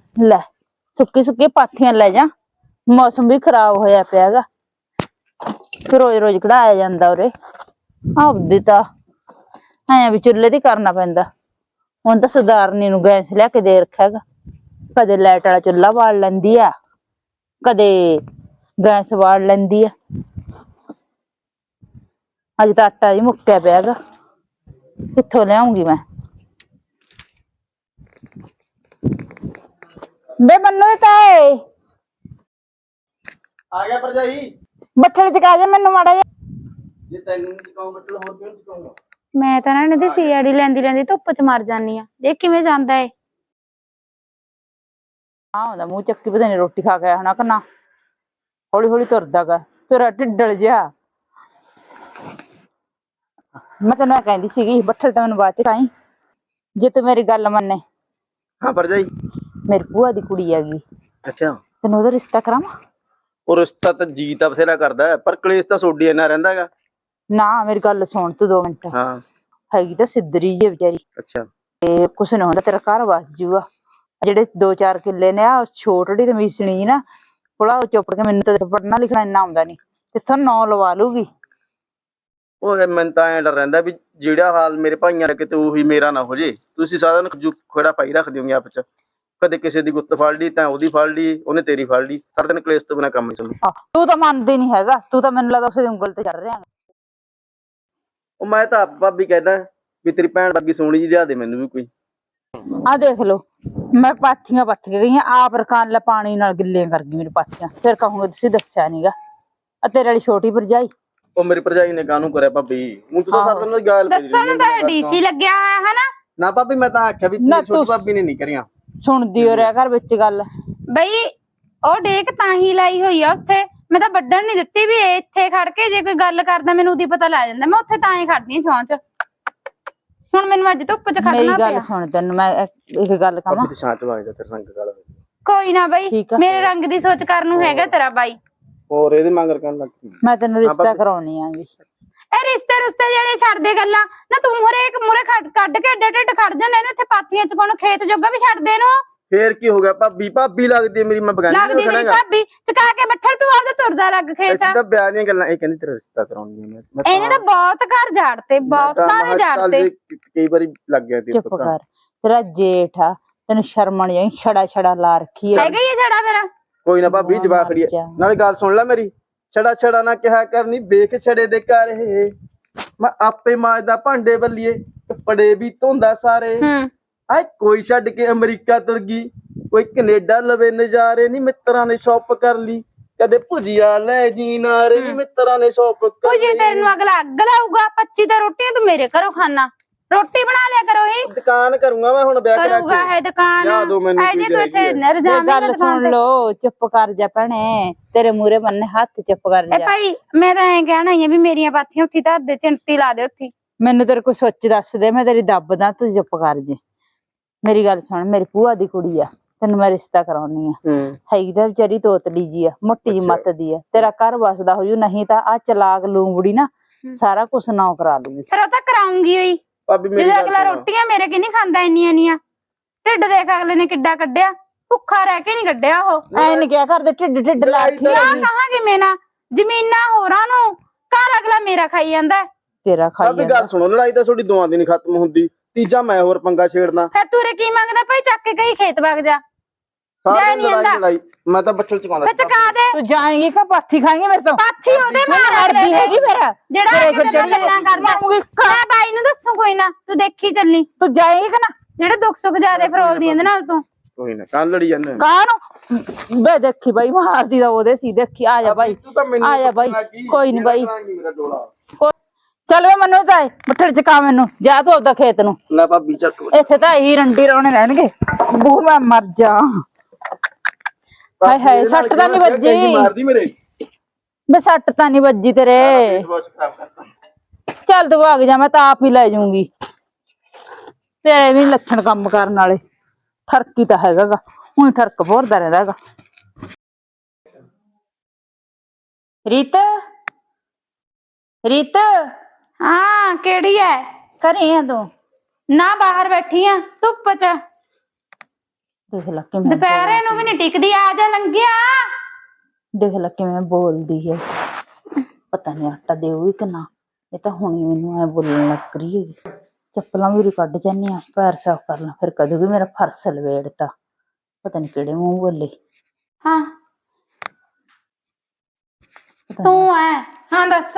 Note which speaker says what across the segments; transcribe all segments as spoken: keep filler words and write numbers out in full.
Speaker 1: ਲੈ ਸੁੱकी ਸੁੱਕੀ ਪਾਥੀਆਂ ਲੈ जा, मौसम भी खराब होया पिया गा, फिर रोज रोज कढ़ाया जांदा उरे। आपदी तां ऐ भी चुल्हे दी करना पैंदा। हुण तां सरदारनी नूं गैस लिया के दे रखिया गा, कदे लाइट वाला चुल्हा बाल लैंदी आ, कदे गैस बाल लैंदी आ। अज तां आटा ही मुक्किया पिया गा, कित्थों लियाऊंगी मैं। बे मन्नू ताए
Speaker 2: आ गया भरजाई।
Speaker 1: ਬੱਠਲ ਚਕਾ ਜਾ ਮੈਨੂੰ ਮਾੜਾ ਜਿਹਾ।
Speaker 2: ਜੇ ਤੈਨੂੰ ਚਕਾਉਂ ਬੱਟਲ ਹੋਰ ਕਿਉਂ ਚਕਾਉਂਗਾ।
Speaker 3: ਮੈਂ ਤਾਂ ਨਾ ਇਹਦੀ ਸੀਆੜੀ ਲੈਂਦੀ ਲੈਂਦੀ ਧੁੱਪ ਚ ਮਰ ਜਾਨੀ ਆ। ਦੇਖ ਕਿਵੇਂ ਜਾਂਦਾ ਏ।
Speaker 1: ਆ ਹੁੰਦਾ ਮੂੰਹ ਚੱਕੀ, ਪਤਾ ਨੀ ਰੋਟੀ ਖਾ ਕੇ ਆਇਆ ਹੋਣਾ ਕਿ ਨਾ। ਹੌਲੀ ਹੌਲੀ ਤੁਰਦਾ ਗਾ, ਤੇਰਾ ਢਿੱਡਲ ਜਿਹਾ। ਮੈਂ ਤੈਨੂੰ ਇਹ ਕਹਿੰਦੀ ਸੀਗੀ ਬੱਠਲ ਤਾਂ ਮੈਨੂੰ ਬਾਅਦ ਚ ਖਾਈ, ਜੇ ਤੂੰ ਮੇਰੀ ਗੱਲ ਮੰਨੇ।
Speaker 2: हाँ भरजाई।
Speaker 1: ਮੇਰੀ ਭੂਆ ਦੀ ਕੁੜੀ ਹੈਗੀ,
Speaker 2: अच्छा
Speaker 1: ਤੈਨੂੰ ਉਹਦਾ ਰਿਸ਼ਤਾ ਕਰਾਵਾਂ।
Speaker 2: ਉਹ ਰਿਸ਼ਤਾ ਤਾਂ ਜੀ ਤਾਂ ਬਥੇਰਾ ਕਰਦਾ, ਪਰ ਕਲੇਸ਼ ਤਾਂ ਸੋਡੀ ਇੰਨਾ ਰਹਿੰਦਾ ਹੈਗਾ।
Speaker 1: ਨਾ ਮੇਰੀ ਗੱਲ ਸੁਣ ਤੂੰ ਦੋ ਮਿੰਟ।
Speaker 2: ਹਾਂ
Speaker 1: ਹੈਗੀ ਤਾਂ ਸਿੱਧਰੀ ਜਿਹੀ ਵਿਚਾਰੀ,
Speaker 2: ਅੱਛਾ
Speaker 1: ਤੇ ਕੁਛ ਨਾ ਹੁੰਦਾ, ਤੇਰਾ ਘਰ ਵਸ ਜੂਗਾ। ਜਿਹੜੇ ਦੋ ਚਾਰ ਕਿੱਲੇ ਨੇ ਆ ਛੋਟੜੀ ਤੇ ਮੀਸਣੀ ਜੀ ਨਾ, ਥੋੜਾ ਚੁੱਪ ਕੇ, ਮੈਨੂੰ ਤਾਂ ਪੜ੍ਹਨਾ ਲਿਖਣਾ ਇੰਨਾ ਆਉਂਦਾ ਨੀ, ਕਿੱਥੋਂ ਨੌ ਲਵਾ ਲੂਗੀ।
Speaker 2: ਉਹ ਮੈਨੂੰ ਤਾਂ ਐਂ ਡਰ ਰਹਿੰਦਾ ਵੀ ਜਿਹੜਾ ਹਾਲ ਮੇਰੇ ਭਾਈਆਂ ਦਾ ਕਿਤੇ ਉਹੀ ਮੇਰਾ ਨਾ ਹੋ ਜੇ। ਤੁਸੀਂ ਸਾਰਾ ਦਿਨ ਖੜਾ ਪਾਈ ਰੱਖ ਦਿਓਗੇ ਆਪ ਚ, ਕਦੇ ਕਿਸੇ ਦੀ ਗੁੱਤ ਫੜ ਲਈ ਤਾਂ ਉਹਦੀ ਫੜ ਲਈ, ਉਹਨੇ ਤੇਰੀ ਫੜ ਲਈ, ਸਾਰਾ ਦਿਨ ਕਲੇਸ਼ ਤੋਂ ਬਿਨਾਂ ਕੰਮ ਨਹੀਂ ਚੱਲੂ।
Speaker 1: ਤੂੰ ਤਾਂ ਮੰਨਦੀ ਨੀ ਹੈਗਾ, ਤੂੰ ਤਾਂ ਮੈਨੂੰ ਲੱਗਦਾ ਉਸੇ ਦੀ ਉਂਗਲ ਤੇ ਚੜ ਰਿਹਾ।
Speaker 2: ਉਹ ਮੈਂ ਤਾਂ ਆਪ ਭਾਬੀ ਕਹਿੰਦਾ ਵੀ ਤੇਰੀ ਭੈਣ ਵਰਗੀ ਸੋਹਣੀ ਜੀ ਲਿਆ ਦੇ ਮੈਨੂੰ ਵੀ ਕੋਈ।
Speaker 1: ਆ ਦੇਖ ਲੋ, ਮੈਂ ਪਾਥੀਆਂ ਪੱਥ ਕੇ ਗਈ ਆਪ, ਰਕਾਨ ਲੈ ਪਾਣੀ ਨਾਲ ਗਿੱਲੀਆਂ ਕਰ ਗਈ ਮੇਰੀ ਪਾਥੀਆਂ। ਫਿਰ ਕਹੂੰਗੇ ਤੁਸੀਂ ਦੱਸਿਆ ਨੀਗਾ। ਆ ਤੇਰੇ ਵਾਲੀ ਛੋਟੀ ਭਰਜਾਈ,
Speaker 2: ਉਹ ਮੇਰੀ ਭਰਜਾਈ ਨੇ ਕਾਹਨੂੰ ਕਰਿਆ ਭਾਬੀ, ਹੁਣ ਤੂੰ ਤਾਂ ਸਾਰਾ ਦਿਨ ਗਾਲ ਪਈ
Speaker 3: ਦੱਸਣ ਨੂੰ ਤਾਂ ਡੀਸੀ ਲੱਗਿਆ ਹੋਇਆ ਹੈ ਨਾ।
Speaker 2: ਨਾ ਭਾਬੀ ਮੈਂ ਤਾਂ ਆਖਿਆ ਵੀ
Speaker 1: ਨਾ
Speaker 2: ਤੇਰੀ ਛੋਟੀ
Speaker 1: ਤੂੰ
Speaker 2: ਭਾਬੀ ਨੇ ਨਹੀਂ ਕਰੀਆਂ।
Speaker 1: ਸੁਣਦੀ ਹੋ ਰਿਹਾ ਘਰ ਵਿੱਚ ਗੱਲ।
Speaker 3: ਬਈ ਉਹ ਡੇਕ ਤਾਂ ਹੀ ਲਾਈ ਹੋਈ ਆ ਉੱਥੇ, ਮੈਂ ਤਾਂ ਵੱਢਣ ਨਹੀਂ ਦਿੱਤੀ ਵੀ ਇੱਥੇ ਖੜ ਕੇ ਜੇ ਕੋਈ ਗੱਲ ਕਰਦਾ ਮੈਨੂੰ ਉਹਦੀ ਪਤਾ ਲੱਗ ਜਾਂਦਾ। ਮੈਂ ਉੱਥੇ ਤਾਂ ਹੀ ਖੜਦੀ ਆ ਛਾਂ ਚ। ਹੁਣ ਮੈਨੂੰ ਅੱਜ ਧੁੱਪ ਚ ਖੜਨਾ ਪਿਆ।
Speaker 1: ਮੇਰੀ ਗੱਲ ਸੁਣ, ਤੈਨੂੰ ਮੈਂ ਇੱਕ ਗੱਲ ਕਹਾਂ।
Speaker 2: ਭਾਬੀ ਤੇ ਛਾਂ ਚ ਵਗ ਜਾ, ਤੇਰਾ ਰੰਗ ਕਾਲਾ।
Speaker 3: ਕੋਈ ਨਾ ਬਈ, ਮੇਰੇ ਰੰਗ ਦੀ ਸੋਚ ਕਰਨ ਨੂੰ ਹੈਗਾ ਤੇਰਾ ਬਾਈ।
Speaker 2: ਹੋਰ ਇਹਦੇ ਮੰਗਰ ਕਰਨ ਲੱਗ ਪਈ।
Speaker 1: ਮੈਂ ਤੈਨੂੰ ਰਿਸ਼ਤਾ ਕਰਾਉਣੀ ਆਂਗੀ।
Speaker 3: ਇਹ ਰਿਸ਼ਤੇ ਰੁਸ਼ਤੇ ਜਿਹੜੇ ਛੱਡ ਦੇ ਗੱਲਾਂ ਨਾ, ਤੂੰ ਹਰੇਕ ਮੂਰੇ ਕੱਢ ਕੇ ਏਡੇ ਢਿੱਡ ਖੜ ਜਾਂਦਾ। ਇਹਨੂੰ ਇੱਥੇ ਪਾਥੀਆਂ ਚ ਕੋਣ ਖੇਤ ਜੋਗਾ ਵੀ ਛੱਡ ਦੇ ਇਹਨੂੰ।
Speaker 2: ਫੇਰ ਕੀ ਹੋ ਗਿਆ ਭਾਬੀ, ਭਾਬੀ ਲੱਗਦੀ ਮੇਰੀ, ਮੈਂ ਬਗਾਨੀ
Speaker 3: ਲੱਗਦੀ ਤੇਰੀ ਭਾਬੀ, ਚਕਾ ਕੇ ਬੱਠਲ ਤੂੰ ਆਪਦਾ ਤੁਰਦਾ ਲੱਗ ਖੇਤ।
Speaker 2: ਅਸੀਂ ਤਾਂ ਵਿਆਹ ਦੀਆਂ ਗੱਲਾਂ, ਇਹ ਕਹਿੰਦੀ ਤੇਰਾ ਰਿਸ਼ਤਾ ਕਰਾਉਣੀ ਹੈ ਮੈਂ।
Speaker 3: ਇਹਨੇ ਤਾਂ ਬਹੁਤ ਘਰ ਝਾੜਤੇ, ਬਹੁਤਾਂ ਨੇ ਝਾੜਤੇ।
Speaker 2: ਕਈ ਵਾਰੀ ਲੱਗ ਗਿਆ ਤੇ
Speaker 1: ਚੁੱਪ ਕਰ, ਤੇਰਾ ਜੇਠ ਆ, ਤੈਨੂੰ ਸ਼ਰਮ ਨਹੀਂ ਆਈ, ਛੜਾ ਛੜਾ ਲਾ ਰੱਖੀ ਹੈ।
Speaker 3: ਹੈਗਾ ਹੀ ਜੜਾ ਮੇਰਾ।
Speaker 2: ਕੋਈ ਨਾ ਭਾਬੀ ਜਵਾਬ ਖੜੀ ਹੈ, ਨਾਲੇ ਗੱਲ ਸੁਣ ਲੈ ਮੇਰੀ। ਛੜਾ ਛੜਾ ਨਾ ਕਿਹਾ ਕਰਨੀ, ਵੇਖ ਛੜੇ ਦੇ ਘਰ ਇਹ ਮੈਂ ਆਪੇ ਮਾਜਦਾ ਭਾਂਡੇ ਬੱਲੀਏ, ਕੱਪੜੇ ਵੀ ਧੋਂਦਾ ਸਾਰੇ। ਆਏ ਕੋਈ ਛੱਡ ਕੇ ਅਮਰੀਕਾ ਤੁਰ ਗਈ, ਕੋਈ ਕੈਨੇਡਾ ਲਵੇ ਨਜ਼ਾਰੇ ਨੀ, ਮਿੱਤਰਾਂ ਨੇ ਸ਼ੌਪ ਕਰ ਲਈ। ਕਦੇ ਭੁਜੀਆ ਲੈ ਜੀ ਨਾਰੇ ਨੀ, ਮਿੱਤਰਾਂ ਨੇ ਸ਼ੌਪ ਕਰ ਲਈ।
Speaker 3: ਭੁਜੀ ਤੈਨੂੰ ਅਗਲਾ ਅੱਗ ਲਾਊਗਾ। ਪੱਚੀ ਤਾਂ ਰੋਟੀਆਂ ਤੂੰ ਮੇਰੇ ਘਰੋਂ ਖਾਣਾ, ਰੋਟੀ ਬਣਾ ਲਿਆ ਕਰੋ। ਹੀ
Speaker 2: ਦੁਕਾਨ ਕਰੂੰਗਾ ਮੈਂ ਹੁਣ ਵਿਆਹ ਕਰਾ
Speaker 3: ਕਰੂਗਾ ਹੈ ਦੁਕਾਨ।
Speaker 2: ਲਿਆ ਦੋ ਮੈਨੂੰ
Speaker 3: ਐ ਜੇ ਤੂੰ ਇੱਥੇ ਰਜਾਵੇਂ
Speaker 1: ਗੱਲ ਸੁਣ ਲੋ, ਚੁੱਪ ਕਰ ਜਾ ਭੈਣੇ, ਤੇਰੇ ਮੂਰੇ ਬੰਨੇ ਹੱਥ, ਚੁੱਪ ਕਰ ਜਾ।
Speaker 3: ਇਹ ਭਾਈ ਮੈਂ ਤਾਂ ਐਂ ਕਹਿਣਾ ਹੀ ਆ ਵੀ ਮੇਰੀਆਂ ਪਾਥੀਆਂ ਉੱਥੇ ਧਰ ਦੇ, ਚਿੰਟੀ ਲਾ ਦੇ ਉੱਥੇ।
Speaker 1: ਮੈਨੂੰ ਤੇਰੇ ਕੋਈ ਸੋਚ ਦੱਸ ਦੇ, ਮੈਂ ਤੇਰੀ ਦੱਬਦਾ, ਤੂੰ ਚੁੱਪ ਕਰ ਜੇ। ਮੇਰੀ ਗੱਲ ਸੁਣ, ਮੇਰੀ ਭੂਆ ਦੀ ਕੁੜੀ ਆ, ਤੈਨੂੰ ਮੈਂ ਰਿਸ਼ਤਾ ਕਰਾਉਣੀ ਆ। ਹੈਗੀ ਤਾਂ ਵਿਚਾਰੀ ਤੋਤਲੀ ਜੀ ਆ, ਮੋਟੀ ਜੀ ਮੱਤ ਦੀ ਆ, ਤੇਰਾ ਘਰ ਵਸਦਾ ਹੋ ਜੂ। ਨਹੀਂ ਤਾਂ ਆ ਚਲਾਕ ਲੂੰਬੜੀ ਨਾ ਸਾਰਾ ਕੁਛ ਨਾ ਕਰਾ ਲੂਗੀ।
Speaker 3: ਫਿਰ ਉਹ ਤਾਂ ਕਰਾਉਂਗੀ ਹੋਈ, ਜਦੋਂ ਅਗਲਾ ਰੋਟੀਆਂ ਮੇਰੇ ਕਿ ਨਹੀਂ ਖਾਂਦਾ ਇੰਨੀਆਂ ਇੰਨੀਆਂ। ਢਿੱਡ ਦੇਖ ਅਗਲੇ ਨੇ ਕਿੱਡਾ ਕੱਢਿਆ, ਭੁੱਖਾ ਰਹਿ ਕੇ ਨੀ ਕੱਢਿਆ ਉਹ।
Speaker 1: ਐ ਨੀ ਕਿਹਾ ਕਰਦੇ ਢਿੱਡ ਢਿੱਡ ਲਾ ਕੇ
Speaker 3: ਕਹਾਂਗੇ ਮੈਂ ਨਾ, ਜ਼ਮੀਨਾਂ ਹੋਰਾਂ ਨੂੰ, ਘਰ ਅਗਲਾ ਮੇਰਾ ਖਾਈ ਜਾਂਦਾ।
Speaker 1: ਤੇਰਾ ਖਾਈ
Speaker 2: ਜਾਂਦਾ। ਗੱਲ ਸੁਣੋ, ਲੜਾਈ ਤਾਂ ਤੁਹਾਡੀ ਦੋਵਾਂ ਦੀ ਨੀ ਖਤਮ ਹੁੰਦੀ, ਤੀਜਾ ਮੈਂ ਹੋਰ ਪੰਗਾ ਛੇੜਨਾ।
Speaker 3: ਫਿਰ ਤੂਰੇ ਕੀ ਮੰਗਦਾ ਭਾਈ, ਚੱਕ ਕੇ ਕਈ ਖੇਤ ਵਗ ਜਾ।
Speaker 2: ਸਾਰੀ ਲੜਾਈ ਲੜਾਈ ਮੈਂ ਤਾਂ ਬੱਠਲ ਚਕਾਉਂਦਾ।
Speaker 3: ਫਿਰ ਚਕਾ ਦੇ।
Speaker 1: ਤੂੰ ਜਾਏਂਗੀ ਕਿ ਪਾਥੀ ਖਾਏਂਗੀ ਮੇਰੇ ਤੋਂ?
Speaker 3: ਪਾਥੀ ਉਹਦੇ ਮਾਰ
Speaker 1: ਅੜਦੀ ਹੈਗੀ ਮੇਰਾ
Speaker 3: ਜਿਹੜਾ ਗੱਲਾਂ ਕਰਦਾ। ਮੈਂ ਬਾਈ ਨੂੰ ਦੱਸੂ ਕੋਈ ਨਾ, ਤੂੰ ਦੇਖੀ ਚੱਲੀ।
Speaker 1: ਤੂੰ ਜਾਏਂਗੀ ਕਿ ਨਾ?
Speaker 3: ਜਿਹੜੇ ਦੁੱਖ ਸੁੱਖ ਜ਼ਿਆਦੇ ਫਰੋਲਦੀ ਇਹਦੇ ਨਾਲ ਤੂੰ।
Speaker 2: ਕੋਈ ਨਾ ਕੱਲ ਲੜੀ ਜਾਂਦੇ
Speaker 1: ਕਾਹਨੂੰ ਬੇ, ਦੇਖੀ ਬਾਈ ਮਾਰਦੀ ਦਾ ਉਹਦੇ ਸੀ। ਦੇਖੀ ਆ ਜਾ ਬਾਈ, ਆ ਜਾ ਬਾਈ, ਕੋਈ ਨੀ ਬਾਈ। ਚੱਲ ਵੇ ਮੈਨੂੰ ਤਾਂ ਬੱਠਲ ਚਕਾ, ਮੈਨੂੰ ਜਾ ਤੂੰ ਆਪਦਾ ਖੇਤ ਨੂੰ।
Speaker 2: ਲੈ ਭਾਬੀ ਚੱਕ,
Speaker 1: ਇੱਥੇ ਤਾਂ ਇਹੀ ਰੰਡੀ ਰੋਣੇ ਰਹਿਣਗੇ। ਬੂ ਮੈਂ ਮਰ ਜਾ। ਹਾਏ ਹਾਏ, ਸੱਟ ਤਾਂ ਨੀ ਵੱਜੀ?
Speaker 2: ਮਾਰਦੀ ਮੇਰੇ
Speaker 1: ਬੇ ਸੱਟ ਤਾਂ ਨੀ ਵੱਜੀ ਤੇਰੇ? ਚੱਲ ਤੂੰ ਭਾਗ ਜਾ, ਮੈਂ ਤਾਂ ਆਪ ਹੀ ਲੈ ਜਾਊਂਗੀ। ਤੇਰੇ ਵੀ ਲੱਛਣ ਕੰਮ ਕਰਨ ਵਾਲੇ। ਠਰਕੀ ਤਾਂ ਹੈਗਾ ਗਾ, ਹੁਣ ਠਰਕ ਭੋਰਦਾ ਰਹਿੰਦਾ ਹੈਗਾ। ਰੀਤ, ਰੀਤ।
Speaker 3: ਹਾਂ ਕਿਹੜੀ ਐ?
Speaker 1: ਘਰੇ ਆ ਤੂੰ?
Speaker 3: ਨਾ ਬਾਹਰ ਬੈਠੀ ਆ ਧੁੱਪ ਚ।
Speaker 1: ਦੇਖ ਲੈ ਕਿਵੇਂ
Speaker 3: ਦੁਪਹਿਰੇ ਨੂੰ ਵੀ ਨਹੀਂ ਟਿਕਦੀ, ਆ ਜਾ ਲੰਘਿਆ।
Speaker 1: ਦੇਖ ਲੈ ਕਿਵੇਂ ਬੋਲਦੀ ਹੈ। ਪਤਾ ਨਹੀਂ ਆਟਾ ਦੇਊਗੀ ਕਿ ਨਾ। ਇਹ ਤਾਂ ਹੁਣੀ ਮੈਨੂੰ ਐ ਬੋਲਣ ਲੱਗ ਰਹੀ ਹੈ। ਚੱਪਲਾਂ ਵੀ ਕੱਢ ਜਾਂਦੀ ਆ, ਪੈਰ ਸਾਫ਼ ਕਰ ਲਾਂ, ਫਿਰ ਕਦੋਂ ਵੀ ਮੇਰਾ ਫਰਸ਼ ਲਵੇੜਤਾ। ਪਤਾ ਨਹੀਂ ਕਿਹੜੇ ਮੂੰਹ ਬੋਲੇ।
Speaker 3: ਹਾਂ ਤੂੰ ਐ, ਹਾਂ ਦੱਸ।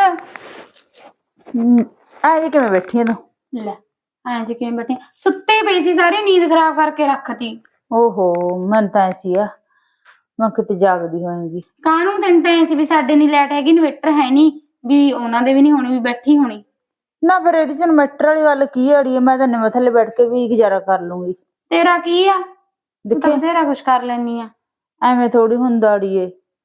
Speaker 1: ਆ ਜੇ ਕਿਵੇਂ ਬੈਠੀ ਆ ਤੂੰ?
Speaker 3: ਲੈ ਐਂ ਜੀ ਕਿਵੇਂ ਬੈਠੀ? ਸੁੱਤੇ ਪਈ ਸੀ, ਸਾਰੀ ਨੀਂਦ ਖਰਾਬ ਕਰਕੇ ਰੱਖਤੀ।
Speaker 1: ਓਹੋ ਮੈਨੂੰ ਤਾਂ ਐਸੀ ਆ ਮੈਂ ਕਿਤੇ ਜਾਗਦੀ ਹੋਏਗੀ।
Speaker 3: ਕਾਹਨੂੰ? ਤੈਨੂੰ ਤਾਂ ਐ ਸੀ ਵੀ ਸਾਡੇ ਨੀ ਲਾਈਟ ਹੈਗੀ, ਇਨਵੇਟਰ ਹੈ ਨਹੀਂ, ਵੀ ਉਹਨਾਂ ਦੇ ਵੀ ਨਹੀਂ ਹੋਣੀ, ਵੀ ਬੈਠੀ ਹੋਣੀ
Speaker 1: ਨਾ। ਫਿਰ ਇਹਦੇ ਚ ਇਨਵਰਟਰ ਵਾਲੀ ਗੱਲ ਕੀ ਅੜੀਏ, ਮੈਂ ਤਾਂ ਨਿਵੇਂ ਥੱਲੇ ਬੈਠ ਕੇ ਵੀ ਗੁਜ਼ਾਰਾ ਕਰ ਲੂੰਗੀ।
Speaker 3: ਤੇਰਾ ਕੀ ਆ, ਤੂੰ ਤਾਂ ਬਥੇਰਾ ਕੁਛ ਕਰ ਲੈਨੀ ਆ।
Speaker 1: ਐਵੇਂ ਥੋੜੀ ਹੁੰਦਾ ਅੜੀਏ।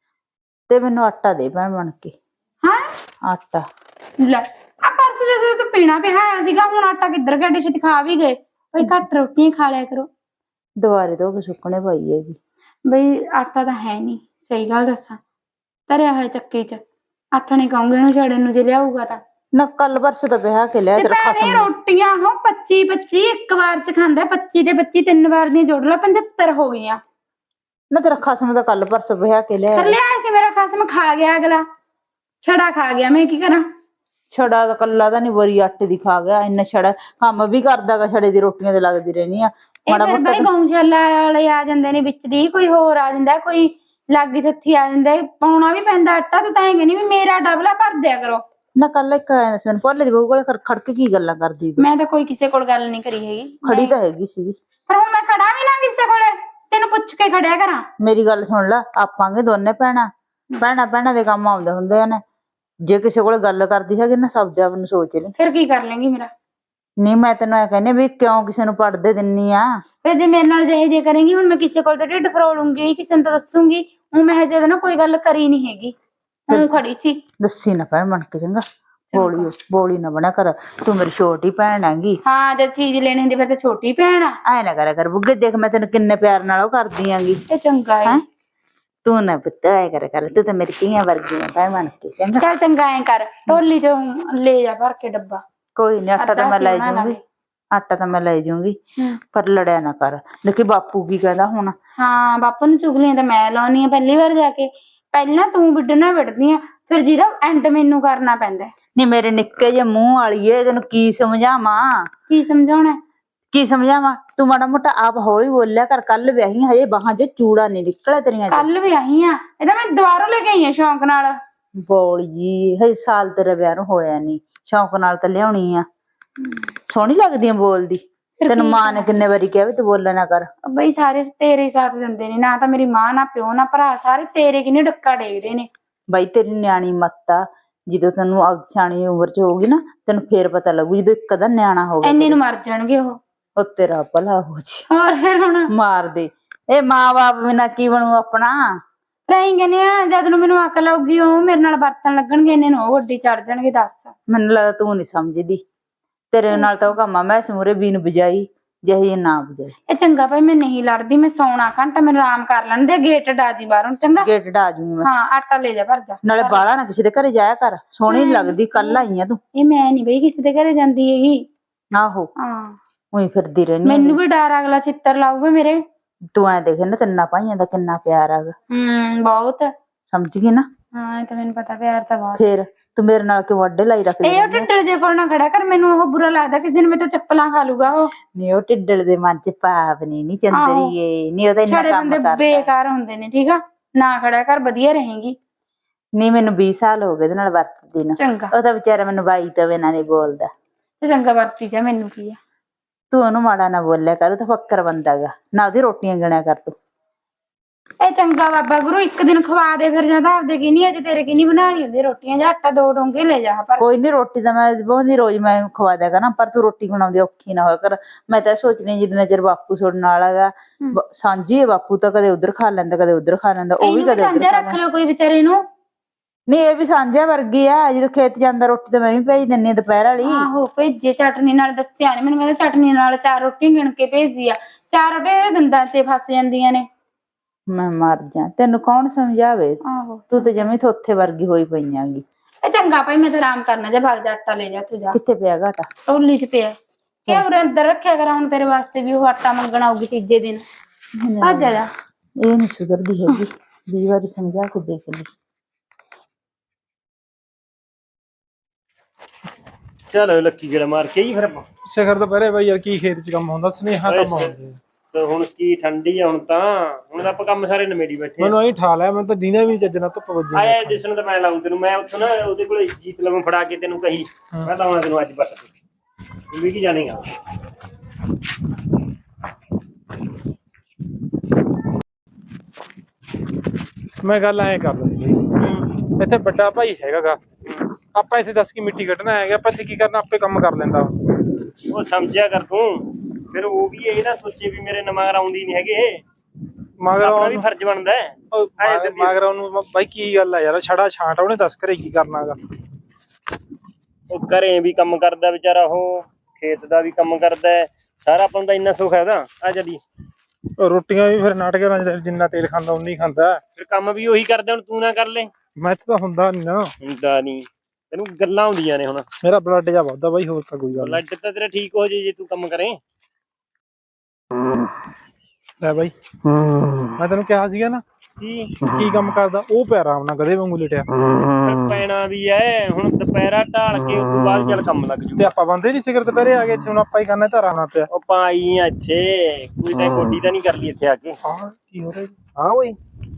Speaker 1: ਤੇ ਮੈਨੂੰ ਆਟਾ ਦੇ ਭੈਣ ਬਣ ਕੇ।
Speaker 3: ਹਾਂ
Speaker 1: ਆਟਾ
Speaker 3: ਲੈ, ਆ ਪਰਸੋਂ ਜਦੋਂ ਤੂੰ ਪੀਣਾ ਪਿਆ ਸੀਗਾ, ਹੁਣ ਆਟਾ ਕਿੱਧਰ ਗਿਆ? ਡਿਸ਼ ਖਾ ਵੀ ਗਏ ਬਈ, ਘੱਟ ਰੋਟੀਆਂ ਖਾ ਲਿਆ ਕਰੋ।
Speaker 1: ਦੁਬਾਰੇ ਧੋ ਕੇ ਸੁੱਕਣੇ ਪਾਈ ਹੈਗੀ
Speaker 3: ਬਈ, ਆਟਾ ਤਾਂ ਹੈ ਨਹੀਂ, ਸਹੀ ਗੱਲ ਦੱਸਾਂ, ਧਰਿਆ ਹੋਇਆ ਚੱਕੀ ਚ। ਆਥਣੇ ਕਹੂੰਗੇ ਉਹਨੂੰ ਛੜੇ ਨੂੰ, ਜੇ ਲਿਆਊਗਾ ਤਾਂ।
Speaker 1: ਨਾ ਕੱਲ ਪਰਸੋਂ ਤਾਂ ਵਿਆਹ ਕੇ ਲਿਆ ਤੇਰਾ ਖਸਮ।
Speaker 3: ਰੋਟੀਆਂ ਹੋ ਪੱਚੀ ਪੱਚੀ ਇੱਕ ਵਾਰ ਚ ਖਾਂਦਾ, ਪੱਚੀ ਤੇ ਪੱਚੀ ਤਿੰਨ ਵਾਰ ਦੀਆਂ ਜੋੜ ਲਾ, ਪੰਜੱਤਰ ਹੋ ਗਈਆਂ।
Speaker 1: ਨਾ ਤੇਰਾ ਖਸਮ ਦਾ ਕੱਲ ਪਰਸੋਂ ਵਿਆਹ ਕੇ ਲਿਆ।
Speaker 3: ਫਿਰ ਲਿਆ ਸੀ ਮੇਰਾ ਖਸਮ, ਖਾ ਗਿਆ ਅਗਲਾ, ਛੜਾ ਖਾ ਗਿਆ, ਮੈਂ ਕੀ ਕਰਾਂ?
Speaker 1: ਛੜਾ ਤਾਂ ਕੱਲਾ ਤਾਂ ਨੀ, ਬੋਰੀ ਆਟੇ ਦੀ ਖਾ ਗਿਆ। ਇੰਨਾ ਛੜਾ ਕੰਮ ਵੀ ਕਰਦਾ ਗਾ, ਛੜੇ ਦੀ ਰੋਟੀਆਂ ਤੇ ਲੱਗਦੀ ਰਹਿੰਦੀ ਆ।
Speaker 3: ਇਹ ਫਿਰ ਬਈ ਗਊਸ਼ਾਲਾ ਵਾਲੇ ਆ ਜਾਂਦੇ ਨੇ ਵਿੱਚ ਦੀ, ਕੋਈ ਹੋਰ ਆ ਜਾਂਦਾ, ਕੋਈ ਲਾਗੀ ਥੱਥੀ ਆ ਜਾਂਦਾ, ਪਾਉਣਾ ਵੀ ਪੈਂਦਾ ਆਟਾ। ਤੂੰ ਤਾਂ ਐਂ ਕਹਿੰਦੀ ਵੀ ਮੇਰਾ ਡਬਲਾ ਭਰ ਦਿਆ ਕਰੋ।
Speaker 1: ਨਾ ਕੱਲ ਇੱਕ ਆਇਆ ਸੀ, ਮੈਨੂੰ ਭੋਲੇ ਦੀ ਬਹੂ ਕੋਲ ਖੜ ਕੇ ਕੀ ਗੱਲਾਂ ਕਰਦੀ।
Speaker 3: ਮੈਂ ਤਾਂ ਕੋਈ ਕਿਸੇ ਕੋਲ ਗੱਲ ਨਹੀਂ ਕਰੀ ਹੈਗੀ।
Speaker 1: ਖੜੀ ਤਾਂ ਹੈਗੀ ਸੀਗੀ।
Speaker 3: ਪਰ ਹੁਣ ਮੈਂ ਖੜਾ ਵੀ ਨਾ ਕਿਸੇ ਕੋਲੇ, ਤੈਨੂੰ ਪੁੱਛ ਕੇ ਖੜਿਆ ਕਰਾਂ।
Speaker 1: ਮੇਰੀ ਗੱਲ ਸੁਣ ਲੈ, ਆਪਾਂਗੇ ਦੋਨੇ ਭੈਣਾਂ, ਭੈਣਾਂ ਭੈਣਾਂ ਦੇ ਕੰਮ ਆਉਂਦੇ ਹੁੰਦੇ ਨੇ। ਜੇ ਕਿਸੇ ਕੋਲ ਗੱਲ ਕਰਦੀ ਹੈਗੀ ਨਾ, ਸਭ ਆਪ ਨੂੰ ਸੋਚ ਲਈ।
Speaker 3: ਫਿਰ ਕੀ ਕਰ ਲੇਂਗੀ ਮੇਰਾ?
Speaker 1: ਨਹੀਂ ਮੈਂ ਤੈਨੂੰ ਐ ਕਹਿੰਦੀ ਵੀ ਕਿਉਂ ਕਿਸੇ ਨੂੰ ਪੜਦੇ ਦਿੰਨੀ ਆ।
Speaker 3: ਫਿਰ ਜੇ ਮੇਰੇ ਨਾਲ ਜਿਹੇ ਜੇ ਕਰੇਂਗੀ, ਹੁਣ ਮੈਂ ਕਿਸੇ ਕੋਲ ਤਾਂ ਢਿੱਡ ਫਰੋਲੂੰਗੀ, ਕਿਸੇ ਨੂੰ ਤਾਂ ਦੱਸੂਗੀ। ਹੁਣ ਮੈਂ ਹਜੇ ਨਾ ਕੋਈ ਗੱਲ ਕਰੀ ਨਹੀਂ ਹੈਗੀ, ਹੁਣ ਖੜੀ ਸੀ।
Speaker 1: ਦੱਸੀ ਨਾ ਭੈਣ ਬਣ ਕੇ, ਚੰਗਾ? ਬੋਲੀ ਬੋਲੀ ਨਾ ਬਣਾ ਕਰ, ਤੂੰ ਮੇਰੀ ਛੋਟੀ ਭੈਣ ਹੈਗੀ।
Speaker 3: ਹਾਂ, ਜਦ ਚੀਜ਼ ਲੈਣੀ ਹੁੰਦੀ ਫਿਰ ਤਾਂ ਛੋਟੀ ਭੈਣ ਆ।
Speaker 1: ਐ ਨਾ ਕਰਿਆ ਕਰ ਬੁੱਗੇ, ਦੇਖ ਮੈਂ ਤੈਨੂੰ ਕਿੰਨੇ ਪਿਆਰ ਨਾਲ ਉਹ ਕਰਦੀ ਆਂਗੀ।
Speaker 3: ਇਹ ਚੰਗਾ ਹੈ।
Speaker 1: ਤੂੰ ਨਾ ਪੁੱਤ ਐ ਕਰਿਆ ਕਰ, ਤੂੰ ਤਾਂ ਮੇਰੀ ਧੀਆਂ ਵਰਗੀ ਆ ਭੈਣ ਬਣ ਕੇ, ਚੰਗਾ?
Speaker 3: ਚੱਲ ਚੰਗਾ ਐਂ ਕਰ, ਢੋਲੀ ਚੋਂ ਲੈ ਜਾ ਭਰ ਕੇ ਡੱਬਾ।
Speaker 1: ਕੋਈ ਨੀ, ਆਟਾ ਤਾਂ ਮੈਂ ਲੈ ਜੂੰਗੀ, ਆਟਾ ਤਾਂ ਮੈਂ ਲੈ ਜੂੰਗੀ, ਪਰ ਲੜਿਆ ਨਾ ਕਰ। ਦੇਖੀ ਬਾਪੂ ਕੀ ਕਹਿੰਦਾ ਹੁਣ।
Speaker 3: ਹਾਂ, ਬਾਪੂ ਨੂੰ ਚੁਗਲੀਆਂ ਤਾਂ ਮੈਂ ਲਾਉਣੀ ਆ ਪਹਿਲੀ ਵਾਰ ਜਾ ਕੇ। ਪਹਿਲਾਂ ਤੂੰ ਵਿੱਢਣਾ ਵਿੱਢਦੀ ਆ, ਫਿਰ ਜਿਹਦਾ ਐਂਡ ਮੈਨੂੰ ਕਰਨਾ ਪੈਂਦਾ।
Speaker 1: ਨਹੀਂ ਮੇਰੇ ਨਿੱਕੇ ਜਿਹੇ ਮੂੰਹ ਵਾਲੀਏ, ਤੈਨੂੰ ਕੀ ਸਮਝਾਵਾਂ?
Speaker 3: ਕੀ ਸਮਝਾਉਣਾ?
Speaker 1: ਕੀ ਸਮਝਾਵਾਂ? ਤੂੰ ਮਾੜਾ ਮੋਟਾ ਆਪ ਹੌਲੀ ਬੋਲਿਆ ਕਰ। ਕੱਲ ਵਿਆਹੀ ਹਜੇ ਬਾਹਾਂ ਚ ਚੂੜਾ ਨੀ ਨਿਕਲਿਆ ਤੇਰੀਆਂ।
Speaker 3: ਕੱਲ ਵਿਆਹੀ ਆ, ਇਹਦਾ ਮੈਂ ਦੁਬਾਰਾ ਲੈ ਕੇ ਆਈ ਆ ਸ਼ੌਂਕ ਨਾਲ।
Speaker 1: ਬੋਲੀ ਹਜੇ ਸਾਲ ਤੇਰਾ ਵਿਆਹ ਨੂੰ ਹੋਇਆ ਨੀ, ਸ਼ੌਂਕ ਨਾਲ ਤਾਂ ਲਿਆਉਣੀ ਆ। ਸੋਹਣੀ ਲੱਗਦੀ ਆ ਬੋਲਦੀ। ਤੈਨੂੰ ਮਾਂ ਨੇ ਕਿੰਨੇ ਵਾਰੀ ਕਿਹਾ ਵੀ ਤੂੰ ਬੋਲਿਆ ਨਾ ਕਰ।
Speaker 3: ਬਈ ਸਾਰੇ ਤੇਰੇ ਸਾਥ ਦਿੰਦੇ ਨੇ, ਨਾ ਤਾਂ ਮੇਰੀ ਮਾਂ, ਨਾ ਪਿਓ, ਨਾ ਭਰਾ, ਸਾਰੇ ਤੇਰੇ ਕਿੰਨੇ ਡੱਕਾ ਡੇਗਦੇ ਨੇ।
Speaker 1: ਬਾਈ ਤੇਰੀ ਨਿਆਣੀ ਮੱਤ ਆ, ਜਦੋਂ ਤੈਨੂੰ ਆਪ ਸਿਆਣੀ ਉਮਰ ਚ ਹੋਊਗੀ ਨਾ, ਤੈਨੂੰ ਫੇਰ ਪਤਾ ਲੱਗੂ, ਜਦੋਂ ਇੱਕ ਅੱਧਾ ਨਿਆਣਾ ਹੋਵੇ।
Speaker 3: ਇੰਨੇ ਨੂੰ ਮਰ ਜਾਣਗੇ ਉਹ।
Speaker 1: ਉਹ ਤੇਰਾ ਭਲਾ ਹੋ ਜੀ।
Speaker 3: ਹੋਰ ਫਿਰ ਹੁਣ
Speaker 1: ਮਾਰ ਦੇ। ਇਹ ਮਾਂ ਬਾਪ ਬਿਨਾਂ ਕੀ ਬਣੂ ਆਪਣਾ?
Speaker 3: ਰਹੀ ਕਹਿੰਦੇ ਆ, ਜਦ ਨੂੰ ਮੈਨੂੰ ਅਕਲ ਆਊਗੀ ਉਹ ਮੇਰੇ ਨਾਲ ਵਰਤਣ ਲੱਗਣਗੇ, ਇੰਨੇ ਨੂੰ ਉਹ ਗੱਡੀ ਚੜ ਜਾਣਗੇ। ਦੱਸ,
Speaker 1: ਮੈਨੂੰ ਲੱਗਦਾ ਤੂੰ ਨੀ ਸਮਝਦੀ। ਤੇਰੇ ਨਾਲ ਤਾਂ ਉਹ ਕੰਮ ਆ, ਮੈਂ ਸਮੂਰੇ ਬੀਨ ਬਜਾਈ ਜਿਹੀ ਨਾ ਬਜਾਈ। ਇਹ
Speaker 3: ਚੰਗਾ ਭਾਈ, ਮੈਂ ਨਹੀਂ ਲੜਦੀ, ਮੈਂ ਸੌਣਾ ਘੰਟਾ, ਮੈਨੂੰ ਆਰਾਮ ਕਰ ਲੈਣ ਦੇ। ਗੇਟ ਡਾਜੀ ਬਾਹਰੋਂ, ਚੰਗਾ?
Speaker 1: ਗੇਟ ਡਾ ਜੂਗੀ ਮੈਂ।
Speaker 3: ਹਾਂ, ਆਟਾ ਲੈ ਜਾ ਭਰ ਜਾ।
Speaker 1: ਨਾਲੇ ਬਾਹਲਾ ਨਾ ਕਿਸੇ ਦੇ ਘਰੇ ਜਾਇਆ ਕਰ, ਸੋਹਣੀ ਨੀ ਲੱਗਦੀ। ਕੱਲ ਆਈ ਆ ਤੂੰ।
Speaker 3: ਇਹ ਮੈਂ ਨੀ ਬਈ ਕਿਸੇ ਦੇ ਘਰੇ ਜਾਂਦੀ ਹੈਗੀ।
Speaker 1: ਆਹੋ,
Speaker 3: ਹਾਂ,
Speaker 1: ਉਹੀ ਫਿਰਦੀ ਰਹਿਨੀ।
Speaker 3: ਮੈਨੂੰ ਵੀ ਡਰ, ਅਗਲਾ ਛਿੱਤਰ ਲਾਊਗਾ ਮੇਰੇ।
Speaker 1: ਤੂੰ ਐ ਦੇਖ ਨਾ, ਤਿੰਨਾਂ ਭਾਈਆਂ ਦਾ ਕਿੰਨਾ ਪਿਆਰ ਹੈਗਾ।
Speaker 3: ਹੂੰ, ਬਹੁਤ।
Speaker 1: ਸਮਝ ਗਈ ਨਾ?
Speaker 3: ਹਾਂ, ਇਹ ਤਾਂ ਮੈਨੂੰ ਪਤਾ, ਪਿਆਰ ਤਾਂ ਬਹੁਤ।
Speaker 1: ਫੇਰ ਤੂੰ ਮੇਰੇ ਨਾਲ ਕਿਉਂ ਅੱਡੇ ਲਾਈ ਰੱਖਦੀ?
Speaker 3: ਇਹ ਉਹ ਢਿੱਡਲ ਜੇ ਕੋਲ ਨਾ ਖੜਾ ਕਰ, ਮੈਨੂੰ ਉਹ ਬੁਰਾ ਲੱਗਦਾ, ਕਿਸੇ ਦਿਨ ਮੇਰੇ ਤੋਂ ਚੱਪਲਾਂ ਖਾ ਲੂਗਾ ਉਹ।
Speaker 1: ਨਹੀਂ, ਉਹ ਢਿੱਡਲ ਦੇ ਮਨ ਚ ਪਾਪ ਨੀ ਨੀ ਚੰਦਰੀਏ, ਨੀ ਉਹਦਾ ਇੰਨਾ ਕੰਮ ਕਰਦਾ।
Speaker 3: ਬੇਕਾਰ ਹੁੰਦੇ ਨੇ, ਠੀਕ ਆ ਨਾ ਖੜਾ ਕਰ, ਵਧੀਆ ਰਹੇਗੀ।
Speaker 1: ਨਹੀਂ, ਮੈਨੂੰ ਵੀਹ ਸਾਲ ਹੋ ਗਏ ਇਹਦੇ ਨਾਲ ਵਰਤਦੀ ਨੂੰ।
Speaker 3: ਚੰਗਾ,
Speaker 1: ਉਹ ਤਾਂ ਵਿਚਾਰਾ ਮੈਨੂੰ ਬਾਈ ਤੋਂ ਬਿਨਾਂ ਨੀ ਬੋਲਦਾ।
Speaker 3: ਤੇ ਚੰਗਾ ਵਰਤੀ ਜਾ, ਮੈਨੂੰ ਕੀ ਆ।
Speaker 1: ਤੂੰ ਉਹਨੂੰ ਮਾੜਾ ਨਾ ਬੋਲਿਆ ਕਰ, ਉਹ ਤਾਂ ਫੱਕਰ ਬੰਦਾ ਗਾ ਨਾ, ਉਹਦੀ ਰੋਟੀਆਂ ਗਿਣਿਆ ਕਰ ਤੂੰ।
Speaker 3: ਇਹ ਚੰਗਾ ਬਾਬਾ ਗੁਰੂ, ਇੱਕ ਦਿਨ ਖਵਾ ਦੇ ਫਿਰ, ਜਾਂ ਤਾਂ ਆਪਦੇ ਕੀ ਨੀ, ਅੱਜ ਤੇਰੇ ਕੀ ਨੀ ਬਣਾ ਲਈ ਹੁੰਦੀ ਰੋਟੀਆਂ, ਜਾਂ ਆਟਾ ਦੋ ਡੋਂਗੇ ਲੈ ਜਾ। ਪਰ
Speaker 1: ਕੋਈ ਨੀ, ਰੋਟੀ ਤਾਂ ਮੈਂ ਬਹੁਤੀ ਰੋਜ਼ ਮੈਂ ਖਵਾ ਦਿਆ ਕਰਾਂ, ਪਰ ਤੂੰ ਰੋਟੀ ਬਣਾਉਂਦੀ ਔਖੀ ਨਾ ਹੋਇਆ ਕਰ। ਮੈਂ ਤਾਂ ਸੋਚਦੀ ਜਿੰਨਾ ਚਿਰ ਬਾਪੂ ਸੁਣਨ ਵਾਲਾ ਗਾ, ਸਾਂਝੀ ਹੈ ਬਾਪੂ ਤਾਂ, ਕਦੇ ਉਧਰ ਖਾ ਲੈਂਦਾ, ਕਦੇ ਉਧਰ ਖਾ ਲੈਂਦਾ। ਉਹ ਵੀ ਕਦੇ
Speaker 3: ਸਾਂਝਾ ਰੱਖ ਲਓ ਕੋਈ ਵਿਚਾਰੇ ਨੂੰ।
Speaker 1: ਨਹੀਂ, ਇਹ ਵੀ ਸਾਂਝਾ ਵਰਗੀ ਆ, ਜਦੋਂ ਖੇਤ ਜਾਂਦਾ ਰੋਟੀ ਤਾਂ ਮੈਂ ਵੀ ਭੇਜ ਦਿੰਨੀ ਆ ਦੁਪਹਿਰ ਵਾਲੀ।
Speaker 3: ਆਹੋ ਭੇਜੇ, ਚਟਨੀ ਨਾਲ ਦੱਸਿਆ ਨੀ ਮੈਨੂੰ, ਕਹਿੰਦਾ ਚਟਨੀ ਨਾਲ ਚਾਰ ਰੋਟੀ ਗਿਣ ਕੇ ਭੇਜੀ ਆ। ਚਾਰ ਰੋਟੀਆਂ ਦੰਦਾਂ ਚ ਫਸ ਜਾਂਦੀਆਂ ਨੇ।
Speaker 1: ਮੈਂ ਮਰ ਜਾ, ਤੈਨੂੰ ਕੌਣ ਸਮਝਾਵੇ?
Speaker 3: ਆਹੋ,
Speaker 1: ਤੂੰ ਤੇ ਜਮੀ ਥੋਥੇ ਵਰਗੀ ਹੋਈ ਪਈਆਂਗੀ।
Speaker 3: ਇਹ ਚੰਗਾ ਭਾਈ, ਮੈਂ ਤਾਂ ਆਰਾਮ ਕਰਨਾ, ਜਾ ਭਾਗ ਜਾ, ਆਟਾ ਲੈ ਜਾ ਤੂੰ ਜਾ।
Speaker 1: ਕਿੱਥੇ ਪਿਆ ਗਾ ਆਟਾ?
Speaker 3: ਢੋਲੀ ਚ ਪਿਆ। ਕਿਉਂ ਉਰੇ ਅੰਦਰ ਰੱਖਿਆ ਕਰਾਂ, ਹੁਣ ਤੇਰੇ ਵਾਸਤੇ ਵੀ ਉਹ ਆਟਾ ਮੰਗਣ ਆਊਗੀ ਤੀਜੇ ਦਿਨ। ਭੱਜ ਜਾ।
Speaker 1: ਇਹ ਨਹੀਂ ਸੁਧਰਦੀ ਹੈਗੀ, ਵੀਹ ਵਾਰੀ ਸਮਝਾ ਕੇ ਦੇਖ ਲਈ।
Speaker 4: ਚਲੋ ਲੱਕੀ ਗੇੜਾ ਮਾਰ ਕੇ ਹੀ ਫਿਰ ਆਪਾਂ
Speaker 5: ਸਿਖਰ ਤੋਂ ਪਹਿਲੇ ਬਾਈ ਯਾਰ ਕੀ ਖੇਤ ਚ ਕੰਮ ਹੁੰਦਾ, ਸੁਨੇਹਾ ਕੰਮ ਹੁੰਦੇ।
Speaker 4: ਤੇ ਹੁਣ ਕੀ ਠੰਡੀ ਆ ਹੁਣ ਤਾਂ ਹੁਣ ਤਾਂ ਆਪਾਂ ਕੰਮ ਸਾਰੇ ਨਵੇੜੀ ਬੈਠੇ
Speaker 5: ਮੈਨੂੰ ਐਂ ਠਾ ਲਿਆ, ਮੈਨੂੰ ਤਾਂ ਦੀਨਾ ਵੀ ਚੱਜ ਨਾਲ ਧੁੱਪ ਵੱਜੀ
Speaker 4: ਆਇਆ ਜਿਸਨ ਤਾਂ ਮੈਂ ਲਾਉਂ ਤੈਨੂੰ ਮੈਂ ਉੱਥੋਂ ਨਾ ਉਹਦੇ ਕੋਲ ਜੀਤ ਲਵਾਂ ਫੜਾ ਕੇ ਤੈਨੂੰ ਕਹੀ ਮੈਂ ਲਾਉਣਾ ਤੈਨੂੰ ਅੱਜ ਬੱਟ ਤੂੰ ਵੀ ਕੀ ਜਾਣੇਗਾ।
Speaker 5: ਮੈਂ ਗੱਲ ਐਂ ਕਰ ਲਈ ਬਈ, ਇੱਥੇ ਵੱਡਾ ਭਾਈ ਹੈਗਾਗਾ, ਆਪਾਂ ਇੱਥੇ ਦੱਸ ਕੀ ਮਿੱਟੀ ਕੱਢਣਾ ਹੈਗਾ, ਆਪਾਂ ਇੱਥੇ ਕੀ ਕਰਨਾ, ਆਪੇ ਕੰਮ ਕਰ ਲੈਂਦਾ
Speaker 4: ਉਹ ਸਮਝਿਆ ਕਰ ਤੂੰ, ਫਿਰ ਉਹ ਵੀ ਇਹ ਨਾ ਸੋਚੇ ਵੀ ਮੇਰੇ ਨਮਾਰ ਆਉਂਦੀ ਨਹੀਂ ਹੈਗੇ,
Speaker 5: ਮਗਰ
Speaker 4: ਆਪਣਾ ਵੀ ਫਰਜ਼ ਬਣਦਾ ਹੈ।
Speaker 5: ਮਗਰ ਉਹਨੂੰ ਬਾਈ ਕੀ ਗੱਲ ਆ ਯਾਰ, ਛੜਾ ਛਾਂਟ ਉਹਨੇ ਦੱਸ ਘਰੇ ਕੀ ਕਰਨਾਗਾ।
Speaker 4: ਉਹ ਘਰੇ ਵੀ ਕੰਮ ਕਰਦਾ ਵਿਚਾਰਾ, ਉਹ ਖੇਤ ਦਾ ਵੀ ਕੰਮ ਕਰਦਾ, ਸਾਰਾ ਆਪਾਂ ਨੂੰ ਤਾਂ ਇੰਨਾ ਸੁੱਖ ਹੈ ਉਹਦਾ। ਆ ਜਦੀ
Speaker 5: ਰੋਟੀਆਂ ਵੀ ਫਿਰ ਨਾਟਕਾਂ ਨਾਲ ਜਿੰਨਾ ਤੇਲ ਖਾਂਦਾ ਉਨੀ ਖਾਂਦਾ,
Speaker 4: ਫਿਰ ਕੰਮ ਵੀ ਉਹੀ ਕਰਦਾ, ਹੁਣ ਤੂੰ ਨਾ ਕਰ ਲੈ।
Speaker 5: ਮੈਂ ਇੱਥੇ ਤਾਂ ਹੁੰਦਾ ਨੀ ਨਾ,
Speaker 4: ਹੁੰਦਾ ਨੀ ਤੈਨੂੰ ਗੱਲਾਂ ਆਉਂਦੀਆਂ ਨੇ। ਹੁਣ
Speaker 5: ਮੇਰਾ ਬਲੱਡ ਜਾ ਵੱਧਦਾ ਬਾਈ, ਹੋਰ ਤਾਂ ਕੋਈ ਗੱਲ
Speaker 4: ਬਲੱਡ ਤਾਂ ਤੇਰਾ ਠੀਕ ਹੋ ਜੇ ਜੇ ਤੂੰ ਕੰਮ ਕਰੇ।
Speaker 5: ਲੈ ਬਾਈ ਮੈਂ ਤੈਨੂੰ ਕਿਹਾ ਸੀਗਾ ਨਾ
Speaker 4: ਕੀ
Speaker 5: ਕੀ ਕੰਮ ਕਰਦਾ, ਉਹ ਪਿਆ ਆਰਾਮ ਨਾਲ ਗਧੇ ਵਾਂਗੂ ਲਿਟਿਆ।
Speaker 4: ਪੈਣਾ ਵੀ ਐ ਹੁਣ, ਦੁਪਹਿਰਾ ਢਾਲ ਕੇ ਉਸ ਤੋਂ ਬਾਅਦ ਚੱਲ ਕੰਮ ਲੱਗ ਜੂ।
Speaker 5: ਤੇ ਆਪਾਂ ਬੰਦੇ ਨੀ ਸਿਖਰ ਦੁਪਹਿਰੇ ਆ ਗਏ, ਇੱਥੇ ਹੁਣ ਆਪਾਂ ਹੀ ਕਰਨਾ, ਧਾਰਾ ਆਉਣਾ ਪਿਆ।
Speaker 4: ਉਹ ਪਾਈ ਆ ਇੱਥੇ, ਕੋਈ ਤਾਂ ਗੋਡੀ ਤਾਂ ਨਹੀਂ ਕਰ ਲਈ ਇੱਥੇ ਆ ਕੇ।
Speaker 5: ਹਾਂ ਕੀ ਹੋ ਰਿਹਾ?
Speaker 4: ਹਾਂ ਓਏ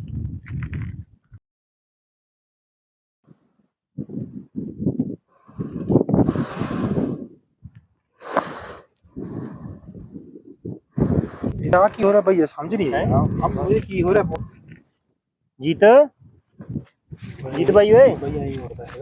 Speaker 5: ਇਹਦਾ ਕੀ ਹੋ ਰਿਹਾ ਬਈ, ਸਮਝ ਨਹੀਂ ਆਇਆ ਇਹ ਕੀ ਹੋ ਰਿਹਾ।
Speaker 4: ਜੀਤ ਜੀਤ ਬਾਈ ਓਏ
Speaker 5: ਬਈ ਐਂ ਹੋ ਰਿਹਾ ਹੈਗਾ।